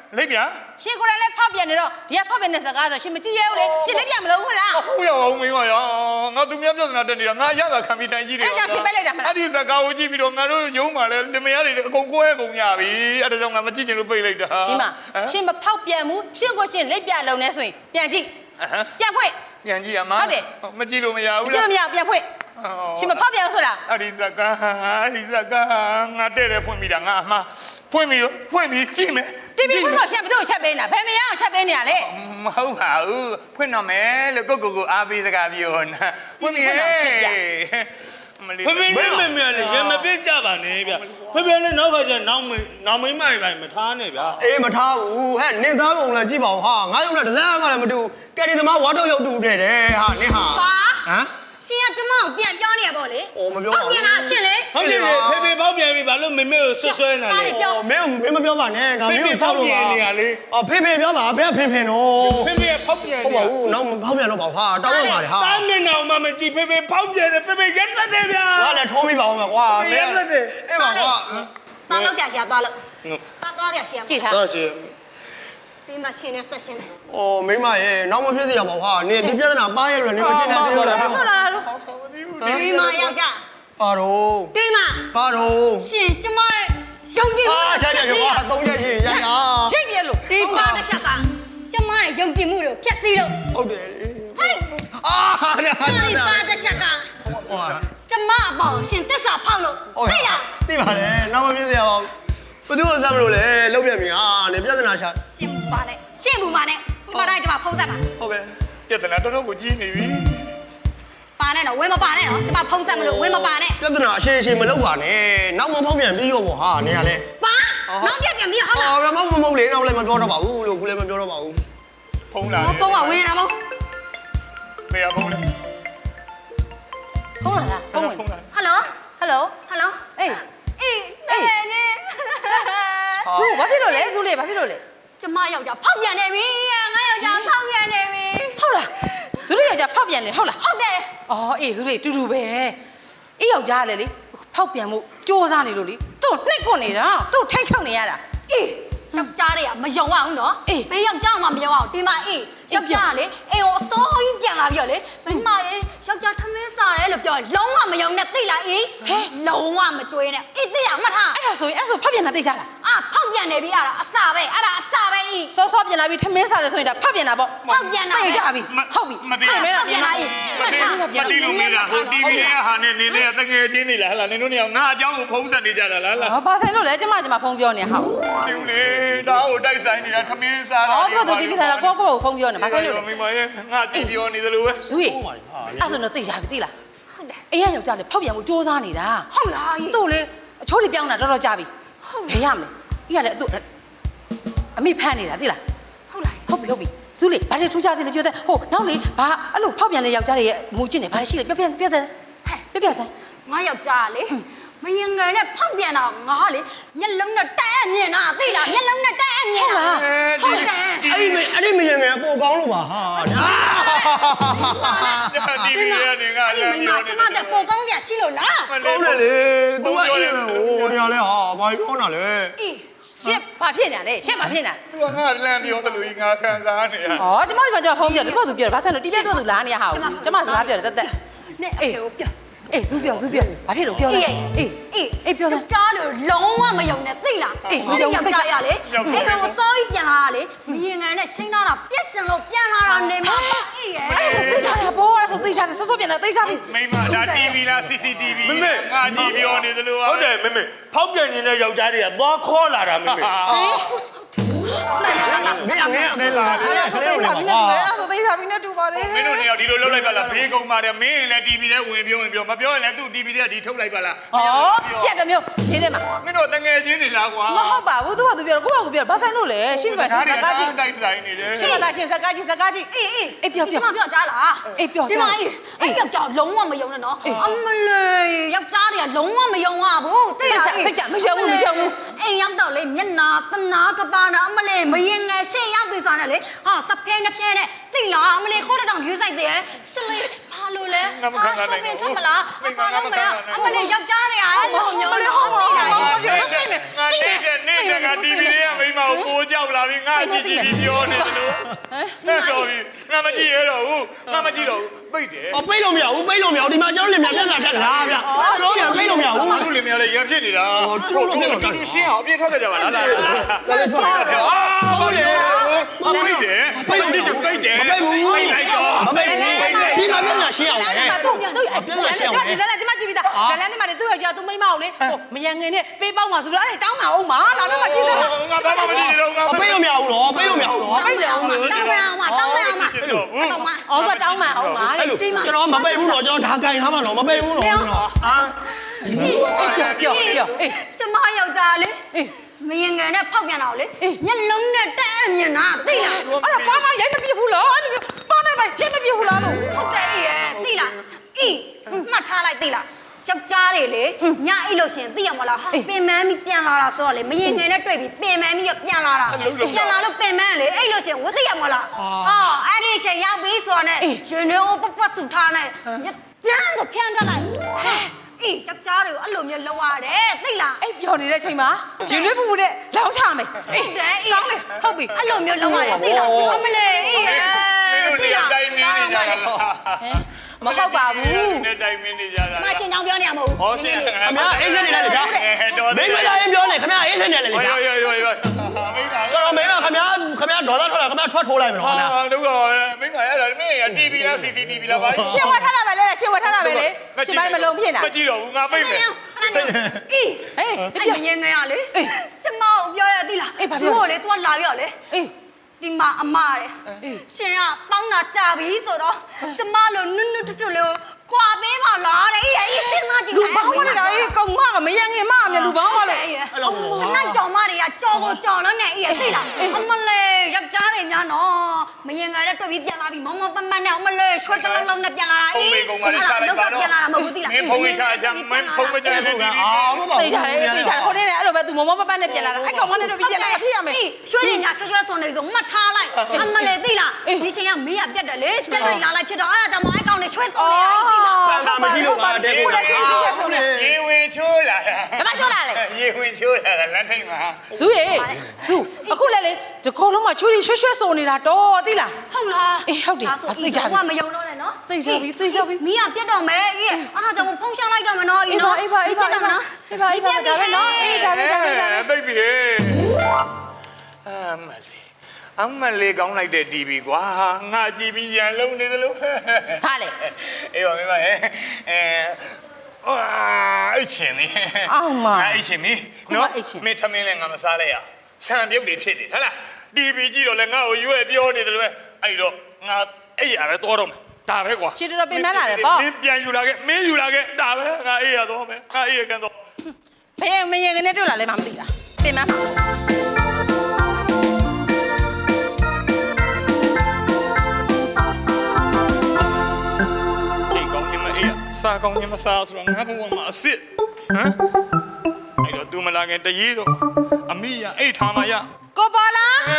Speaker 6: လိပ်ပြ
Speaker 7: ရှင်ကိုယ်တိုင်လည်းဖောက်ပြန်နေတော့ဒီကဖောက်ပြန်တဲ့စကားဆိုရှင်မကြည့်ရဘူးလေရှင်လက်ပြမလို့ဟုတ်လား
Speaker 6: ဟုတ်ရအောင်မင်းကရောငါသူများပြဿနာတက်နေတာငါရတာခံပြီးတိုင်းကြီးတယ်
Speaker 7: အဲ့ကြောင့်ရှင်ပဲလိုက်တာမလား
Speaker 6: အဲ့ဒီစကားကိုကြည့်ပြီးတော့ငါတို့ရုံးမှာလဲတမယားတွေအကုန်ကိုယ်အကုန်ညပြီအဲ့ဒါကြောင့်ငါမကြည့်ချင်လို့ပိတ်လိုက်တာ
Speaker 7: ဒီမှာရှင်မဖောက်ပြန်ဘူးရှင်ကိုရှင်လက်ပြလုံနေဆိုရင်ပြန်ကြည့်ပြန်ဖွင့်
Speaker 6: ပြန်ကြည့်ရမှာ
Speaker 7: ဟုတ်တယ်
Speaker 6: မကြည့်လို့မရ
Speaker 7: မ
Speaker 6: ဘူး
Speaker 7: ကြည့်
Speaker 6: လား
Speaker 7: လို့မရပြန်ဖွင့်ရှင်မဖောက်ပြန်ဆိုတာ
Speaker 6: အဲ့ဒီစကားအဲ့ဒီစကားငါတဲ့တယ်ဖွင့်ပြီးတာငါအမှားဖွင့်ပြီးဖွင့်ပြီးကြည့်မယ်
Speaker 7: တီဗီဖွင့်လို့ရှင်ဘယ်သူ့ကိုချက်ပေးနေတာဘယ်မရအောင်ချက်ပေးနေရလဲ
Speaker 6: မဟုတ်ပါဘူးဖွင့်တော့မယ်လို့ကိုကိုကိုအားပေးစကားပြောနာဖွင့်ပြီးဟဲ့မလေး
Speaker 2: ဖေဖေနဲ့မေမေလည်းရမပြစ်ကြပါနဲ့ဗျဖေဖေလည်းနောက်ခါကျနောင်မေနောင်မိမတွေမထားနဲ့ဗျာ
Speaker 5: အေးမထားဘူးဟဲ့နင်သားပုံလည်းကြည့်ပါဦးဟာငါရုံနဲ့တစ်စမ်းမှလည်းမတူကယ်ရီသမားဝါတော့ရောက်တူတဲ့တယ်ဟာနင်ဟာ
Speaker 8: ပါ
Speaker 5: ဟမ်
Speaker 8: ရှင်ကကျမကိုပြန်ပြောနေရပေါ့လေ
Speaker 5: အော်မပြောပါဘူး
Speaker 8: ဟုတ်ပြန်လားရှင်လေ
Speaker 2: ဟုတ်တယ်လေဖေဖေပေါက်ပြန်ပြီဘာလို့မေမေကိုဆွဆွဲနေလဲ
Speaker 5: အော်မင်းမင်းမပြောပါနဲ့ငါမင်းကိုကြောက်လို့ပါအော်ဖေဖေပြောပါဘယ်ဖေဖေနော်
Speaker 2: ဖေဖေဖောက်ပြန်
Speaker 5: ဟုတ်ပါဘူးနောက်ဖောက်ပြန်တော့ပါဟာတောင်းရပါလေဟာ
Speaker 2: တားမျက်နှာမှမကြည့်ဖေဖေဖောက်ပြန်တယ်ဖေဖေရက်လက်တယ်ဗျာ
Speaker 5: ငါလည်းထိုးမိပါအောင်မယ်ကွာမင်းအေးပါကွာ
Speaker 8: သွားလို့ဆရာရှာသွားလို့သွားသွားဆရာရှာ
Speaker 7: ကြည့်ထား
Speaker 2: တော့ရှင်
Speaker 8: ဒီမှာရှင်နဲ့ဆက်ရှင်နဲ့
Speaker 5: အော်မိမရဲ့နောက်မဖြစ်စေရပါဘူးဟာနင်ဒီပြဿနာပါရဲ့လို့နင်မကြည့်နိုင်သေးဘူးလား
Speaker 7: ဟုတ်လားလို့
Speaker 8: ဒီမှာယောက်ျား
Speaker 5: ပါတော့
Speaker 8: ဒီမှာ
Speaker 5: ပါတော့
Speaker 8: ရှင်ကျမရဲ့ယုံကြည်မှု
Speaker 5: အာရရရကွာသုံးချက်ရှိရရ
Speaker 7: ချိတ်ပြလို့
Speaker 8: ဒီပါတစ်ချက်ကကျမရဲ့ယုံကြည်မှုတွေကိုဖျက်ဆီးလို့
Speaker 5: ဟုတ်တယ်
Speaker 8: ဟဲ့
Speaker 5: အာရရ
Speaker 8: ဒီပါတစ်ချက်က
Speaker 5: ဟော
Speaker 8: ကျမအပေါ်ရှင်တစ္ဆာဖောက်လို့
Speaker 5: ဟုတ်
Speaker 8: သိလား
Speaker 5: သိပါတယ်နောက်မဖြစ်စေရပါဘူးဘယ်သူ့ကိုစမ်းမလို့လဲလောက်ပြန်ပြီဟာနင်ပြဿနာချ
Speaker 8: ရှင်ပါနဲ့ရှင်ဘူးပါနဲ့ကျမတိုင်းကျမဖုံးဆက်ပါ
Speaker 5: ဟုတ်ပဲ
Speaker 6: ပြဿနာတော်တော်ကိုကြီးနေပြီ
Speaker 8: ပါနဲ့တော့ဝင်းမပါနဲ့နော်ကျမဖုံးဆက်မလို့ဝင်းမပါနဲ့
Speaker 5: ပြဿနာအရှိရှိမလုပ်ပါနဲ့နောက်မဖောက်ပြန်ပြီးရောပေါ့ဟာနင်ကလည်း
Speaker 8: ပါနောက်ပြက်ပြန်ပြီးဟုတ်လား
Speaker 5: အော်မမမမလေးနောက်လည်းမပြောတော့ပါဘူးလို့ခုလည်းမပြောတော့ပါဘူး
Speaker 6: ဖုံးလာ
Speaker 8: မပုံးကဝင်တာမဟုတ်
Speaker 6: မေရဖုံးလေ
Speaker 7: ဟုတ်လားလားဟုတ်
Speaker 6: ဖုံးလာ
Speaker 8: ဟယ်လို
Speaker 7: ဟယ်လို
Speaker 8: ဟယ်လို
Speaker 7: အေး
Speaker 8: အေးတကယ်ကြီး
Speaker 7: သူဘာဖြစ်လို့လဲသူလေဘာဖြစ်လို့လဲ
Speaker 8: ကျမယောက်ျားဖောက်ပြန်နေပြီငါယောက်ျားဖောက်ပြန်နေပြီ
Speaker 7: ဟုတ်လားသူတို့ယောက်ျားဖောက်ပြန်နေဟုတ်လား
Speaker 8: ဟုတ်တယ်
Speaker 7: အော်အေးသူလေတူတူပဲအေးယောက်ျားလေလေဖောက်ပြန်မှုစ조사နေလို့လေသူ့နှိပ်ကွနေတာသူ့ထိုင်းချောက်နေရတာ
Speaker 8: အေးယောက်ျားတွေကမယုံအောင်နော်
Speaker 7: အေး
Speaker 8: ဘယ်ယောက်ျားမှမယုံအောင်ဒီမှာအေးယောက်ျားကလေအေးကိုအစိုးကြီးပြန်လာပြီးတော့လေမိမရေယောက်ျားထမင်းစားတယ်လို့ပြောရင်လုံးဝမယုံနဲ့သိလားအေးဟဲလုံးဝမကြွေးနဲ့အေးသိရမှတ်ထား
Speaker 7: အဲ့ဒါဆိုရင်အဲ့ဒါဆိုဖောက်ပြန်တာသိကြလား
Speaker 8: အာဖောက်ပြန်နေပြီအဲ့ဒါအစာပဲအဲ့ဒါအစာပဲအေး
Speaker 7: စောစောပြန်လာပြီးထမင်းစားတယ်ဆိုရင်ဒါဖောက်ပြန်တာပေါ့
Speaker 8: ဖောက်ပြန်တာ
Speaker 7: သိကြပြီဟုတ်ပြီ
Speaker 6: မသိ
Speaker 7: အဲ့မဲတာ
Speaker 8: ပြန်လာအေး
Speaker 6: မသိမသိလို့မေးတာဟို တီဗီ ရဲ့ဟာနဲ့နင်းနဲ့တငယ်ချင်းနေလားဟလာနင်တို့နေအောင်ငါအเจ้าကိုဖုံးဆက်နေကြတာလားလား
Speaker 7: ဟာဘာဆိုင်လို့လဲကျမကျမဖုန်းပြောနေဟာ
Speaker 6: ဒီလေဒါဟိုတိုက်ဆိုင်နေတာထမင်းစားတာ
Speaker 7: အော်သူတို့တီဗီလာတာကိုကိုကိုဖုန်းပြောနေဘာဆိုင်လို့လဲ
Speaker 6: မိမရဲ့ငါကြည့်ပြောနေသလိုပဲ
Speaker 7: ဇူးရီအဲ့ဆိုတော့သိကြပြီသိလား
Speaker 8: ဟုတ်တယ်
Speaker 7: အေးရယောက်ျားလေဖောက်ပြန်မှုစ조사နေတာ
Speaker 8: ဟုတ်လားအေး
Speaker 7: သူ့လေအချိုးလေးပြောင်းတာတော်တော်ကြာပြီဘယ်ရမလဲအေးရလေသူ့အမိဖမ်းနေတာသိလား
Speaker 8: ဟုတ်လား
Speaker 7: ဟုတ်ပြီဟုတ်ပြီဇူးလေဘာတွေထူးခြားသေးလဲပြောတဲ့ဟိုနောက်လေဘာအဲ့လိုဖောက်ပြန်တဲ့ယောက်ျားတွေရဲ့မူကျင့်နေဘာရှိလဲပြောပြပြောတဲ့ပြောပြစမ်း
Speaker 8: ငါယောက်ျားလေမရင်ငယ်နဲ့ဖောက်ပြန်တာငါလေမျက်လုံးနဲ့တက်အမြင်တာသိလားမျက်လုံးနဲ့တက်အမြင်တာဟုတ်တယ်
Speaker 5: အဲ့ဒီမအဲ့ဒီမရင်ငယ်ပိုကောင်းလို့ပါဟာ
Speaker 6: တီဗီရဲ့နေငါ
Speaker 8: အဲ့ဒီမိမကျမတက်ပိုကောင်းစရာရှိလို့လား
Speaker 5: ကောင်းတယ်လေ तू ကအေးပဲဟိုနေရာလဲဟာဘာပြောနေတာလဲ
Speaker 8: အေး
Speaker 7: ရှစ်ဘာဖြစ်နေလဲရှစ်ဘာဖြစ်နေ
Speaker 6: သူကငါလမ်းပြောသလိုကြီးငါခံစားနေရ
Speaker 7: ဩကျမကျမဖုန်းပြောတယ်သူကသူပြောတယ်ဘာဆိုင်လို့တိကျတော့သူလာနေရဟာကျမစကားပြောတယ်တက်တက်
Speaker 8: နဲ့အေးကိုပြော
Speaker 7: အေးဇူးပြောဇူးပြောဘာဖြစ်လို့ပြောလဲ
Speaker 8: အေး
Speaker 7: အေး
Speaker 8: အေး
Speaker 7: အေးပြောစမ်း
Speaker 8: ကြားလို့လုံးဝမယုံနဲ့သိလား
Speaker 7: အေး
Speaker 8: မယုံယောက်ျားရလေအဲ့တော့စောကြီးပြန်လာတာလေမရင်ငယ်နဲ့ရှိန်းလာတာပြက်စင်လို့ပြန်လာတာနေမှာအေးရဲ့
Speaker 7: အဲ့ဒါသိချတာဘောအဲ့ဒါသိချတယ်ဆော့ဆော့ပြန်လာသိချပြီ
Speaker 6: မိမဒါတီဗီလား စီ စီ တီဗီ
Speaker 2: မမေ
Speaker 6: ငါကြည့်ပြောနေသလို
Speaker 2: ဟုတ်တယ်မေမေဖောက်ပြန်နေတဲ့ယောက်ျားတွေကသွားခေါ်လာတာမေမေ
Speaker 8: မှန်တယ်မှန်တယ်
Speaker 5: မင်းအငဲအငဲလာတယ်
Speaker 7: အဲ့ဒါ
Speaker 5: ခ
Speaker 7: သိ
Speaker 5: လေး
Speaker 7: ချ
Speaker 5: ကို
Speaker 7: ပြီ
Speaker 5: လည်း
Speaker 7: နဲ့
Speaker 5: ပါ
Speaker 7: အဲ့ဒါသိချပြီနဲ့တူပါတယ်
Speaker 6: မင်းတို့နေအောင်ဒီလိုလုပ်လိုက်ပါလားဘေးကုံပါတယ်မင်းလည်းတီဗီထဲဝင်ပြောဝင်ပြောမပြောရင်လည်းသူ့တီဗီထဲဒီထုတ်လိုက်ပါလား
Speaker 7: ဩဖြတ်တယ်မျိုးရှင်းတယ်မှာ
Speaker 6: မင်းတို့တငယ်ချင်းနေလားကွာ
Speaker 7: မဟုတ်ပါဘူးသူကသူပြောကိုကကိုပြောဘာဆိုင်လို့လဲရှင်းပါရှ
Speaker 6: ဒါ
Speaker 7: င်း
Speaker 6: တွေ
Speaker 7: စကားကြည့်
Speaker 6: တိုက်ဆိုင်နေတယ်
Speaker 7: ရှင်းပါသားရှင်းစကားကြည့်စကားကြည့်
Speaker 8: အေးအေး
Speaker 7: အေးပြောပြော
Speaker 8: ဒီမှာပြောကြားလား
Speaker 7: အေးပြော
Speaker 8: ဒီ
Speaker 7: ကြား
Speaker 8: မှာအေးအဲ့ယောက်ျားလုံးဝမယုံနဲ့နော်အမလေးယောက်ျားတွေကလုံးဝမယုံရဘူးသိလား
Speaker 7: စိတ်ကြမရှုံဘူးမရှုံဘူး
Speaker 8: အိမ်ရောက်တော့လေမျက်နာတနာကပါနာအမလေးမရင်ငယ်ရှေ့ရောက်ပြီဆိုတော့လေဟာတဖဲနှစ်ဖဲနဲ့သိလားအမလေးကိုတတောင်ယူဆိုင်တယ်ရှင်လေးဘာလို့လဲထွက်မလားဘာလို့မလဲအမလေးယောက်ျားတွေကအဲ့လိုမျိုးလို့သိလား
Speaker 7: ပြောသိမယ်
Speaker 6: ငါနေတဲ့နေတဲ့ငါ တီဗီ လေးကမိမကိုပိုးကြောက်လာပြီငါကြည့်ကြည့်ပြီးပြောနေတယ်လို့ဟဲ့တော်ပြီငါမကြည့်ရတော့ဘူးငါမကြည့်တော့ဘူးပိတ်တယ်
Speaker 2: အော်ပိတ်လို့မရဘူးပိတ်လို့မရဘူးဒီမှာကျွန်တော်လင်မြပြဿနာတက်လာဗျကျွန်တော်ကပိတ်လို့မရဘူး
Speaker 6: ငါတို့လင်မယားလည်းရံဖြစ်နေတာတို့တို့တူတူရှင်းအောင်အပြည့်ထွက်ကြကြပါလားလားအာဟုတ်တယ်ပိတ်တယ်ပိတ်တယ်ပိတ်တယ်
Speaker 2: မပိတ်ဘူး
Speaker 6: ပိတ်လိုက်တော့
Speaker 2: မပိတ်ဘူးဒီမှာပြဿနာရှင်းအောင်
Speaker 7: လမ်း
Speaker 2: လေ
Speaker 7: ထဲမှာသူ့သူ့ပြဿနာရှင်းအောင်ဒီလမ်းထဲမှာကြည့်ပြီးသားလမ်းထဲမှာသူ့ယောက်ျားသူ့မိန်းမကိုလေဟိုမယံငယ်နဲ့ပေးပေါက်မှာဆိုတော့အဲ့တောင်းမှာအောင်မှာလာတော့မှကြည့်သား
Speaker 6: ငါဘာမှမကြည့်တော့ငါ
Speaker 2: ပိတ်လို့မရဘူးတော့ပိတ်လို့မရဘူးတော့
Speaker 7: ပိတ်တယ်အောင်လို့
Speaker 8: တောင်းမအောင်မတောင်းမအောင်မ
Speaker 6: တော့ဘူး
Speaker 8: တောင်းမ
Speaker 7: အော်ကတောင်းမှာအောင်မှာ
Speaker 2: အဲ့လိုကျွန်တော်မပိတ်ဘူးတော့ကျွန်တော်ဓာကင်ထားမှာတော့မပိတ်ဘူးတော့ကျွန်တော်အာ
Speaker 7: ပြောပြောပြောအေး
Speaker 8: ကျမယောက်ျားလေ
Speaker 7: အေး
Speaker 8: မရင်ငယ်နဲ့ဖောက်ပြန်တော့လေမျက်လုံးနဲ့တက်အမြင်တာသိလား
Speaker 7: အဲ့ဒါပါမရိုက်မပြစ်ဘူးလားအဲ့ဒီပါနေပါရိုက်မပြစ်ဘူးလားလို့
Speaker 8: ဟုတ်တယ်အေးရဲ့သိလားအေးမှတ်ထားလိုက်သိလားယောက်ျားတွေလေညအိတ်လို့ရှင်သိရမလားဟာပင်မန်းပြီးပြန်လာတာဆိုတော့လေမရင်ငယ်နဲ့တွေ့ပြီးပင်မန်းပြီးပြန်လာတာပြန်လာလို့ပင်မန်းလေအိတ်လို့ရှင်ဝသိရမလားအော်အဲ့ဒီရှင်ရောက်ပြီးဆိုတော့ねရင်တွေကိုပပဆူထားနေပြန်ဆိုဖြန်းထားလိုက်အေးယောက်ျားတွေကိုအဲ့လိုမျိုးလောက်ရတယ်သိလား
Speaker 7: အဲ့ပြောနေတဲ့အချိန်မှာရင်သွေးပူပူနဲ့လောင်းချမယ်အေး
Speaker 8: ဟုတ်တယ်အေး
Speaker 7: ကောင်းတယ်ဟုတ်ပြီ
Speaker 8: အဲ့လိုမျိုးလောက်ရတယ်သိလားအမလေးအေး
Speaker 6: မင်းတို့နေရာတိုင်းမင်းနေကြတာလား
Speaker 7: ဟမ်မဟုတ်ပါဘူး
Speaker 6: နေတိုင်းမင်းနေကြတာ
Speaker 8: မရှင်ကြောင်ပြောနေရမဟုတ်
Speaker 6: ဟောရှင်
Speaker 2: ခင်ဗျာအေးစက်နေလိုက်လေဗျာမိမသားရင်ပြောနေခင်ဗျာအေးစက်နေလိုက်လေဗျာ
Speaker 6: ရောရောရောရောမိမ
Speaker 2: ကျွန်တော်မိမခင်ဗျာခင်ဗျာဒေါ်လာထွက်လာခင်ဗျာထွက်ထိုးလိုက်မယ်နော်ခင်ဗျာ
Speaker 6: ဟာတို့ကမိမအဲ့ဒါမင်းရ တီဗီ လား စီ စီ တီဗီ လားဘာ
Speaker 7: ရှင်ဝတ်ထားတာပဲလေရှင်ဝတ်ထားတာပဲလေရှင်ပိုင်းမလုံးဖြစ်တာ
Speaker 6: မကြည့်တော့ဘူးငါပိတ်မယ်
Speaker 8: အေး
Speaker 7: ဟေး
Speaker 8: အဲ့မရင်ငယ်ရလေကျမကိုပြောရသေးလားကိုလေ तू လာပြောလေ
Speaker 7: အေး
Speaker 8: ဒီမှာအမတဲ့ရှင်ကပေါင်းတာကြာပြီဆိုတော့ကျမလိုနွတ်နွတ်ထွတ်ထွတ်လေးကိုကွာပေးပါလားတဲ့အေးအေးစဉ်းစားကြည့်
Speaker 7: လူပေါင်းမနေတာအေးကောင်မကမယံငယ်မအမြလူပေါင်းပါလေ
Speaker 8: အဲ့လိုကြောင်မတွေကကြော်ကိုကြော်လို့နဲ့အေးသိလားအမလေးယောက်ျားတွေညာနော်မရင်ငယ်နဲ့တွေ့ပြီးပြန်လာပြီးမောင်မောင်ပန်းပန်းနဲ့အမလေးရွှေတလုံးလုံးနဲ့ပြန်လာတာအေး ပြန်လာတာမဟုတ်ဘူးသိလား
Speaker 6: မင်းဖုန်းချချမင်းဖုန်းမချနဲ့
Speaker 2: အာမဟုတ်ပါ
Speaker 7: သိ
Speaker 2: ဘူး
Speaker 7: ကြတယ်သိကြတယ်ခိုးနေတယ်အဲ့လိုပဲသူမမပပနဲ့ပြန်လာတာအဲ့ကောင်မနဲ့တော့ပြန်လာတာဖြစ်ရမယ်
Speaker 8: ရွှေတွေညာရွှဲရွှဲစုံနေစုံမှတ်ထားလိုက်အမလေးသိလားဒီချိန်ကမေးရပြတ်တယ်လေတက်လိုက်လာလိုက်ဖြစ်တော့အဲ့ဒါကြောင့်မအဲ့ကောင်နဲ့ရွှဲစုံနေရသိလား
Speaker 2: တန်တာမရှိလို့ပါတဲ့ကို
Speaker 6: ရေဝင်ချိုးလာ
Speaker 7: ဘာမှပြောလာလေ
Speaker 6: ရေဝင်ချိုးလာလမ်းထိပ်မှာ
Speaker 7: ဇူးရေဇူးအခုလည်းလေဒီခေါလုံးမှာချွေးရွှဲရွှဲစုံနေတာတော့သိလား
Speaker 8: ဟုတ်လား
Speaker 7: အေးဟုတ်တယ်
Speaker 8: ဒါဆို
Speaker 7: သိကြပြီ
Speaker 8: ဘာမယုံတော့နဲ့နော်
Speaker 7: သိကြပြီသိကြပြီ
Speaker 8: မီးကပြတ်တော့မယ်အေးအဲ့ဒါကြောင့်ဖုန်းရှောင်းလိုက်တော့မယ်နော်အေးနော်
Speaker 7: အေးပါအေးပါအေးပါအေးပါအေးပါဒါပဲနော်အေးဒါပဲဒါပဲဒါပဲ
Speaker 6: ပိတ်ပြီအမလေးအမလေးကောင်းလိုက်တဲ့ တီဗီ ကွာငါကြည့်ပြီးရန်လုံးနေသလို
Speaker 7: ဟာလေ
Speaker 6: အေးပါမင်းမအဲအဲအာအိတ်ချင်နေ
Speaker 7: အောင်မ
Speaker 6: အိတ်ချင်ပြီနော်မင်းထမင်းလည်းငါမစားလိုက်ရဆံပြုတ်တွေဖြစ်နေဟဟလား တီဗီ ကြည့်တော့လည်းငါ့ကိုရွေးပြောနေတယ်လို့ပဲအဲ့တော့ငါအဲ့ရပဲတော်တော့မယ်ဒါပဲကွာ
Speaker 7: ရှင်းတော့ပြင်မလာတယ်ပေါ့
Speaker 6: မင်းပြန်ယူလာခဲ့မင်းယူလာခဲ့ဒါပဲငါအေးရတော့မယ်ငါအေးရကန်တော့
Speaker 7: ဘယ်မရင်ကနေတွေ့လာလဲမမသိတာပြင်မ
Speaker 6: အေးကောင်းညမအေးစားကောင်းညမစားဆိုတော့ငါဘဝမှာအစ်စ်ဟမ်အဲ့တော့သူမလာခင်တရေတော့အမိရအိတ်ထားမှရ
Speaker 7: ကိုပေါ်လာ
Speaker 6: အဲ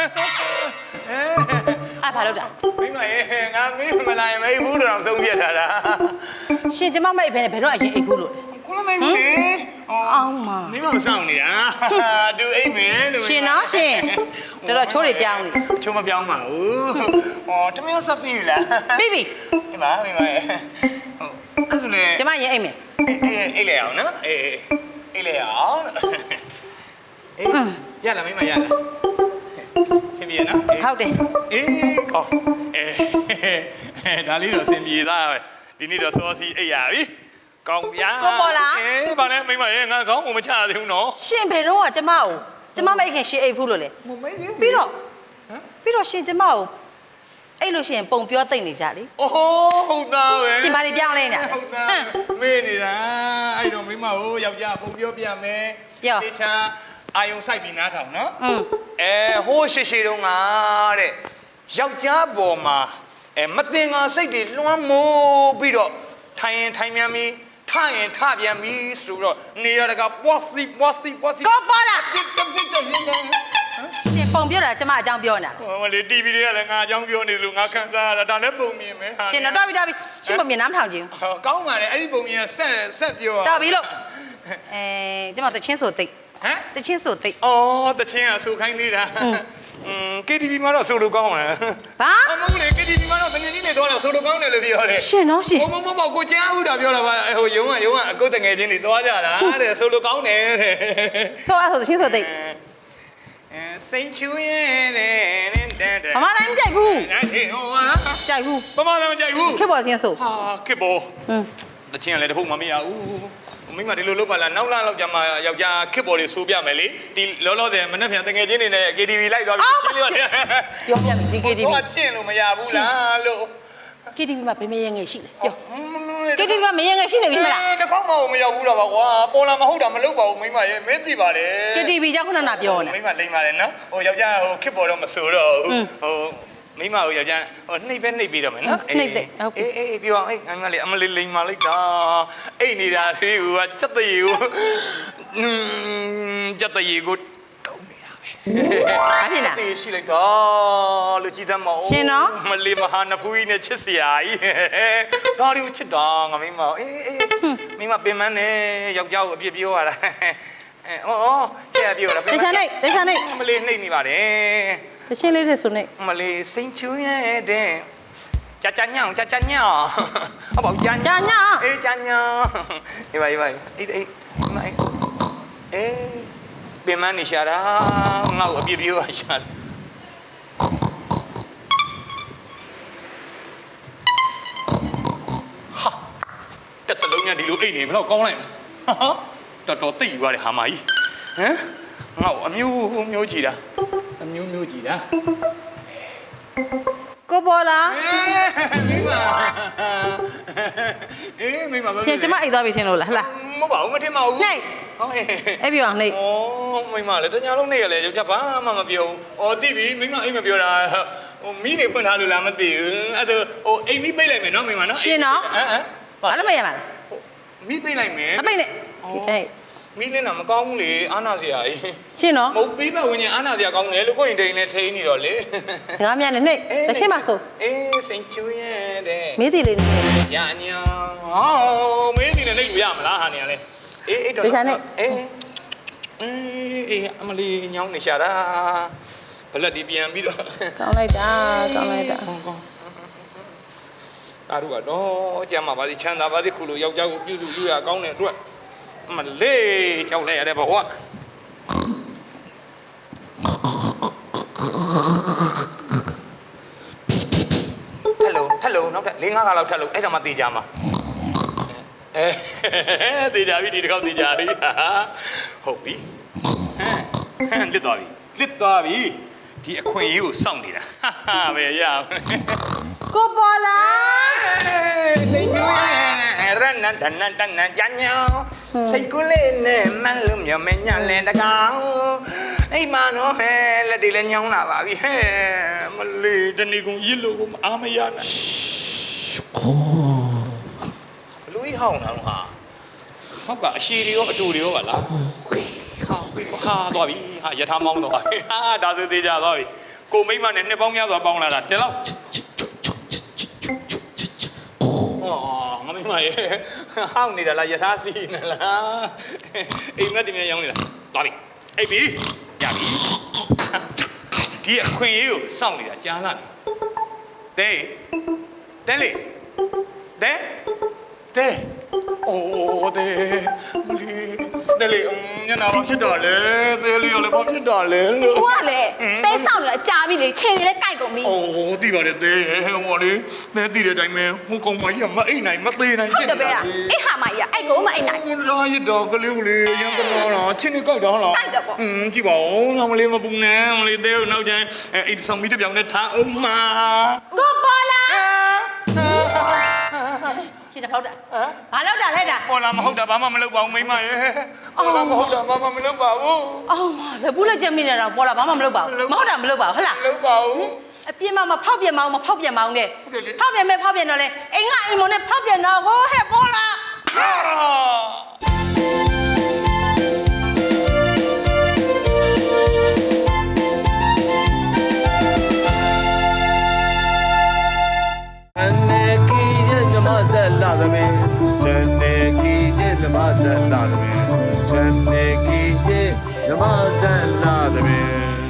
Speaker 7: အဲ့ဘာလို့တာ
Speaker 6: မိမရေငါမင်းမလာရင်မေးဘူးတော့ဆုံးပြထားတာ
Speaker 7: ရှင်ကျမမိတ်ပဲဘယ်တော့အရင်အိတ်ဘူးလို့
Speaker 6: ခုလမေးဘူးလေ
Speaker 7: အောင်မ
Speaker 6: မင်းမစောင့်နေတာသူအိတ်မယ်လို့
Speaker 7: ရှင်နော်ရှင်တော်တော်ချိုးတွေပြောင်းနေ
Speaker 6: ချုံမပြောင်းပါဘူးဟောတမယောဆက်ပြီလား
Speaker 7: ပြီပြီ
Speaker 6: ဒီမှာမိမရေဟုတ်အဲ့ဒါလေ
Speaker 7: ကျမရင်အိတ်မယ်
Speaker 6: အေးအေးလေအောင်နော်အေးအေးလေအောင်အေးရလာမိမရလာစင်ပြေနော်
Speaker 7: ဟုတ်တယ်
Speaker 6: အေးကောအေးဒါလေးတော့စင်ပြေသားပဲဒီနေ့တော့စောစီအိတ်ရပြီကောင်းဗျာအေးဗာနဲ့မိမရေငါကောင်းကိုမချသေးဘူးနော်
Speaker 7: ရှင်ဘယ်တော့ကကျမကိုကျမမအိတ်ခင်ရှင်အိတ်ဘူးလို့လေပြီးတော့ပြီးတော့ရှင်ကျမကိုအဲ့လို့ရှင်ပုံပြောတိတ်နေကြလေ
Speaker 6: အိုးဟုတ်သားပဲ
Speaker 7: ရှင်ဘာတွေပြောင်းလဲနေတာ
Speaker 6: ဟုတ်သားမေးနေတာအဲ့တော့မိမကိုယောက်ျားပုံပြောပြမယ်တေချာအာယုံဆိုင်ပြီးနားထောင်နော်
Speaker 7: อืม
Speaker 6: အဲဟိုးရှိရှိတုန်းကတဲ့ယောက်ျားပေါ်မှာအဲမတင်ငါစိတ်တွေလွှမ်းမိုးပြီးတော့ထိုင်ရင်ထိုင်ပြန်ပြီးထရင်ထပြန်ပြီးဆိုတော့နေရတကပွားစီပွားစီပွားစီ
Speaker 7: ကိုပေါ်လာ
Speaker 6: တစ်တစ်တစ်တစ်လင်းတယ်
Speaker 7: ရှင်ပုံပြောတာကျမအကြောင်းပြောနေတာ
Speaker 6: ဟိုမလေး တီဗီ တွေကလည်းငါအကြောင်းပြောနေလို့ငါခံစားရတာဒါလည်းပုံမြင်မယ်ဟာ
Speaker 7: ရှင်တော့တော်ပြီတော်ပြီရှင်ပုံမြင်နားမထောင်ခြင်း
Speaker 6: ဟောကောင်းပါလေအဲ့ဒီပုံမြင်ဆက်ဆက်ပြော
Speaker 7: တော်ပြီလို့အဲကျမတချင်းဆိုသိ
Speaker 6: ဟမ်
Speaker 7: တချင်းဆိုသိ
Speaker 6: အော်တချင်းကဆူခိုင်းသေးတာอืม ကေ တီ ဗီ မှာတော့ဆိုလိုကောင်းတယ်
Speaker 7: ဘာ
Speaker 6: အမဟုတ်လေ ကေ တီ ဗီ မှာတော့တငယ်ချင်းတွေတော့ဆိုလိုကောင်းတယ်လို့ပြောတယ်
Speaker 7: ရှင်နော်ရှင်
Speaker 6: ဟိုမမမကိုကြားဦးတာပြောတာပါဟိုယုံကယုံကအကုတ်တငယ်ချင်းတွေသွားကြတာတဲ့ဆိုလိုကောင်းတယ်တဲ့
Speaker 7: ဆိုအဲ့ဆိုတချင်းဆိုသိ
Speaker 6: အဲစိန်ချူရဲ့တဲ့တဲ့တဲ့
Speaker 7: မမတိုင်းမကြိုက်ဘူး
Speaker 6: ဒါရှိဟိုဟာ
Speaker 7: ကြိုက်ဘူး
Speaker 6: မမလည်းမကြိုက်ဘူး
Speaker 7: ခက်ပေါ်ချင်းဆို
Speaker 6: ဟာခစ်ပေါ်
Speaker 7: ဟင်း
Speaker 6: တချင်းကလည်းတဖုတ်မမရဘူးမိမဒီလိုလုပ်ပါလားနောက်လာလောက်ကြမှာယောက်ျားခစ်ပေါ်တွေစိုးပြမယ်လေဒီလောလောဆယ်မနှက်ပြန်တငယ်ချင်းတွေနဲ့ ကေ တီ ဗီ လိုက်သွားပြီးရှင်းပြရတယ်
Speaker 7: ပြောပြမယ်ဒီ ကေ တီ ဗီ
Speaker 6: တော့ကျင့်လို့မရဘူးလားလို့
Speaker 7: ကေ တီ ဗီ မှာဘယ်မရငယ်ရှိလဲပြော ကေ တီ ဗီ မှာမရငယ်ရှိနေပြီမလား
Speaker 6: တခေါက်မှမရောက်ဘူးတော့ပါကွာပေါ်လာမဟုတ်တာမလုပ်ပါဘူးမိမရဲ့မင်းသိပါတယ်
Speaker 7: ကေ တီ ဗီ ကြောင့်ခုနကပြောနေ
Speaker 6: မိမလိမ့်ပါတယ်နော်ဟိုယောက်ျားဟိုခစ်ပေါ်တော့မဆိုတော့ဘူးဟိုမိမဟိုယောက်ျားဟိုနှိပ်ပဲနှိပ်ပြီးတော့မယ်နော်အေးအေးပြောအောင်အေးအမလေးအမလေးလိမ့်ပါလိုက်တာအိတ်နေတာသေးဟိုကစက်တရီကိုอืมစက်တရီကိုတုံးနေတာပဲ
Speaker 7: ဘာဖြစ်လား
Speaker 6: တေးရှိလိုက်တော့လူကြည့်တတ်မအောင်
Speaker 7: ရှင်နော်
Speaker 6: မလေးမဟာနဖူးကြီးနဲ့ချစ်စရာကြီးဒါလေးကိုချစ်တာငါမိမအေးအေးမိမပင်မနဲ့ယောက်ျားကိုအပြစ်ပြောရတာအဲအော်ကျဲပြောတာ
Speaker 7: တခြားနေတခြားနေ
Speaker 6: မလေးနှိပ်မိပါတယ်
Speaker 7: တချင်းလေးတဲ့ဆိုနေ
Speaker 6: မလေးစိန်ချူရဲ့တဲ့ကြာကြာညောင်ကြာကြာညောင်အဘောကြာညောင်အေးကြာညောင်အေးပါအေးပါအေးအေးမအေးအေးပင်မနေရှာတာငါ့ကိုအပြစ်ပြောရရှာတယ်ဟာတက်တလုံးညဒီလိုအိတ်နေဘယ်တော့ကောင်းလိုက်ဟာတော်တော်သိယူရတယ်ဟာမကြီးဟမ်ငါ့ကိုအမျိုးမျိုးကြည့်တာအမျိုးမျိုးကြည့်တာ
Speaker 7: ကိုပေါ်လာ
Speaker 6: မိမအေးမိမဘာ
Speaker 7: ရှင်ကျမအိတ်သွားပြီထင်လို့လားဟလား
Speaker 6: မဟုတ်ပါဘူးမထင်ပါဘူး
Speaker 7: နှိပ်
Speaker 6: ဟုတ်ကဲ့
Speaker 7: အဲ့ပြောအောင်နှိပ်
Speaker 6: ဩမိမလည်းတညာလုံးနေရလေကြောက်ဘာမှမပြောဘူးဩတိပြီမိမအိမ်မပြောတာဟိုမိနေဖွင့်ထားလို့လားမသိဘူးအဲ့ဒါဟိုအိမ်မိပိတ်လိုက်မယ်နော်မိမနော်
Speaker 7: ရှင်နော်
Speaker 6: ဟမ်ဟမ်
Speaker 7: ဘာလို့မရမှာလဲ
Speaker 6: မိပိတ်လိုက်မယ်
Speaker 7: မပိတ်နဲ့ဟဲ့
Speaker 6: မိလင်းတာမကောင်းဘူးလေအာနာစရာကြီး
Speaker 7: ရှင်နော်
Speaker 6: မဟုတ်ပြီးပတ်ဝင်ရင်အာနာစရာကောင်းတယ်လို့ကိုယ့်ရင်တိန်နဲ့ထိန်းနေတော့လေ
Speaker 7: ငါမြန်နဲ့နှိပ်တချင်းပါဆို
Speaker 6: အေးစိန်ချူရဲ့တဲ့
Speaker 7: မေးစီလေးနေ
Speaker 6: ကြာညာဟောမင်းဒီနဲ့လိုက်လို့ရမလားဟာနေရလဲအေးအေးတော့အေးအေးအေးအမလီညောင်းနေရှာတာဘလက်ဒီပြန်ပြီးတော့
Speaker 7: ကောင်းလိုက်တာကောင်းလိုက်တာ
Speaker 6: အားတို့ကတော့ကြမ်းမှာပါစီချမ်းသာပါစီခုလိုယောက်ျားကိုပြုစုယူရကောင်းတဲ့အတွက်အမလေးကြောက်လိုက်ရတဲ့ဘဝထက်လုံးထက်လုံးနောက်ထပ်၄-၅ခါလောက်ထက်လုံးအဲ့ဒါမှတေးကြမှာအဲတေးကြပြီဒီတစ်ခေါက်တေးကြပြီဟုတ်ပြီဟမ်ဟမ်လစ်သွားပြီလစ်သွားပြီဒီအခွင့်အရေးကိုစောင့်နေတာဟာပဲရအောင်
Speaker 7: ကိုပေါ်လာ
Speaker 6: စိတ်ကူးရဲ့ရနန်တနန်တနန်ကြညောင်းစိတ်ကူးလေးနဲ့မန်းလို့မြော်မညလဲတကောင်အိမ်မနော်ဟဲ့လက်တွေလည်းညောင်းလာပါပြီဟဲ့မလေးတနေ့ကုန်ရစ်လို့ကိုအားမရနိုင်ဘလူးဟောင်းအောင်ဟာဟောက်ကအရှိတွေရောအတူတွေရောပါလားဟာဟာသွားပြီဟာယထာမောင်းတော့ဟာဒါဆိုသေးကြသွားပြီကိုမိမနဲ့နှစ်ပေါင်းများစွာပေါင်းလာတာတလောက်哦，我明白耶，好你的啦，也他是呢啦，哎，我点样样的啦，哪里？哎比，呀比，第一款有上里的加那里，对，对哩，对，对，哦对，哩，对哩，嗯，你哪帮去打嘞？对哩，我来帮去打嘞。
Speaker 4: ကိုကလည်းတဲဆောက်နေတာကြာပြီလေချိန်နေလဲကြိုက်ကုန်ပြီ
Speaker 6: 哦，对吧的，对，我嘞，那对的တိုင်းမဲ့ဟိုကောင်မကြီးကမအိမ်နိုင်မသေးနိုင်
Speaker 4: ဟုတ်တယ်ပဲအဲ့ဟာမကြီးကအဲ့ကိုမအိမ်နိုင်
Speaker 6: ဟိုလာရတော့ကလေးလေးရံကတော့လားချင်းနေကြိုက်တော့လား
Speaker 4: ကြိုက်တယ်ပေါ့
Speaker 6: อืมကြည့်ပါဦးငါမလေးမပူနဲ့မလေးသေးနောက်ကျရင်အိတ်ဆောင်ပြီးတပြောင်နဲ့ထားအောင်မ
Speaker 7: ကိုပေါ်လာရှင်တဖောက်တာဘာလောက်တာလဲတာ
Speaker 6: ပေါ်လာမဟုတ်တာဘာမှမလုပ်ပါဘူးမိမရဲ့ပေါ်လာမဟုတ်တာဘာမှမလုပ်ပါဘူး
Speaker 7: အော်လက်ဘူးလက်ချက်မိနေတာပေါ်လာဘာမှမလုပ်ပါဘူးမဟုတ်တာမလုပ်ပါဘူးဟုတ်လား
Speaker 6: မလုပ်ပါဘူး
Speaker 7: အပြင်းမမဖောက်ပြန်မအောင်မဖောက်ပြန်မအောင်နဲ့ဖောက်ပြန်မဲ့ဖောက်ပြန်တော့လေအိမ်ကအိမ်မနဲ့ဖောက်ပြန်တော့ဟိုဟဲ့ပေါ်လာ
Speaker 9: လာသမီးဇန်နေကီရဲ့ဓမ္မဇန်လာသမီးဇန်နေကီရဲ့မြမဆက်လာသမီး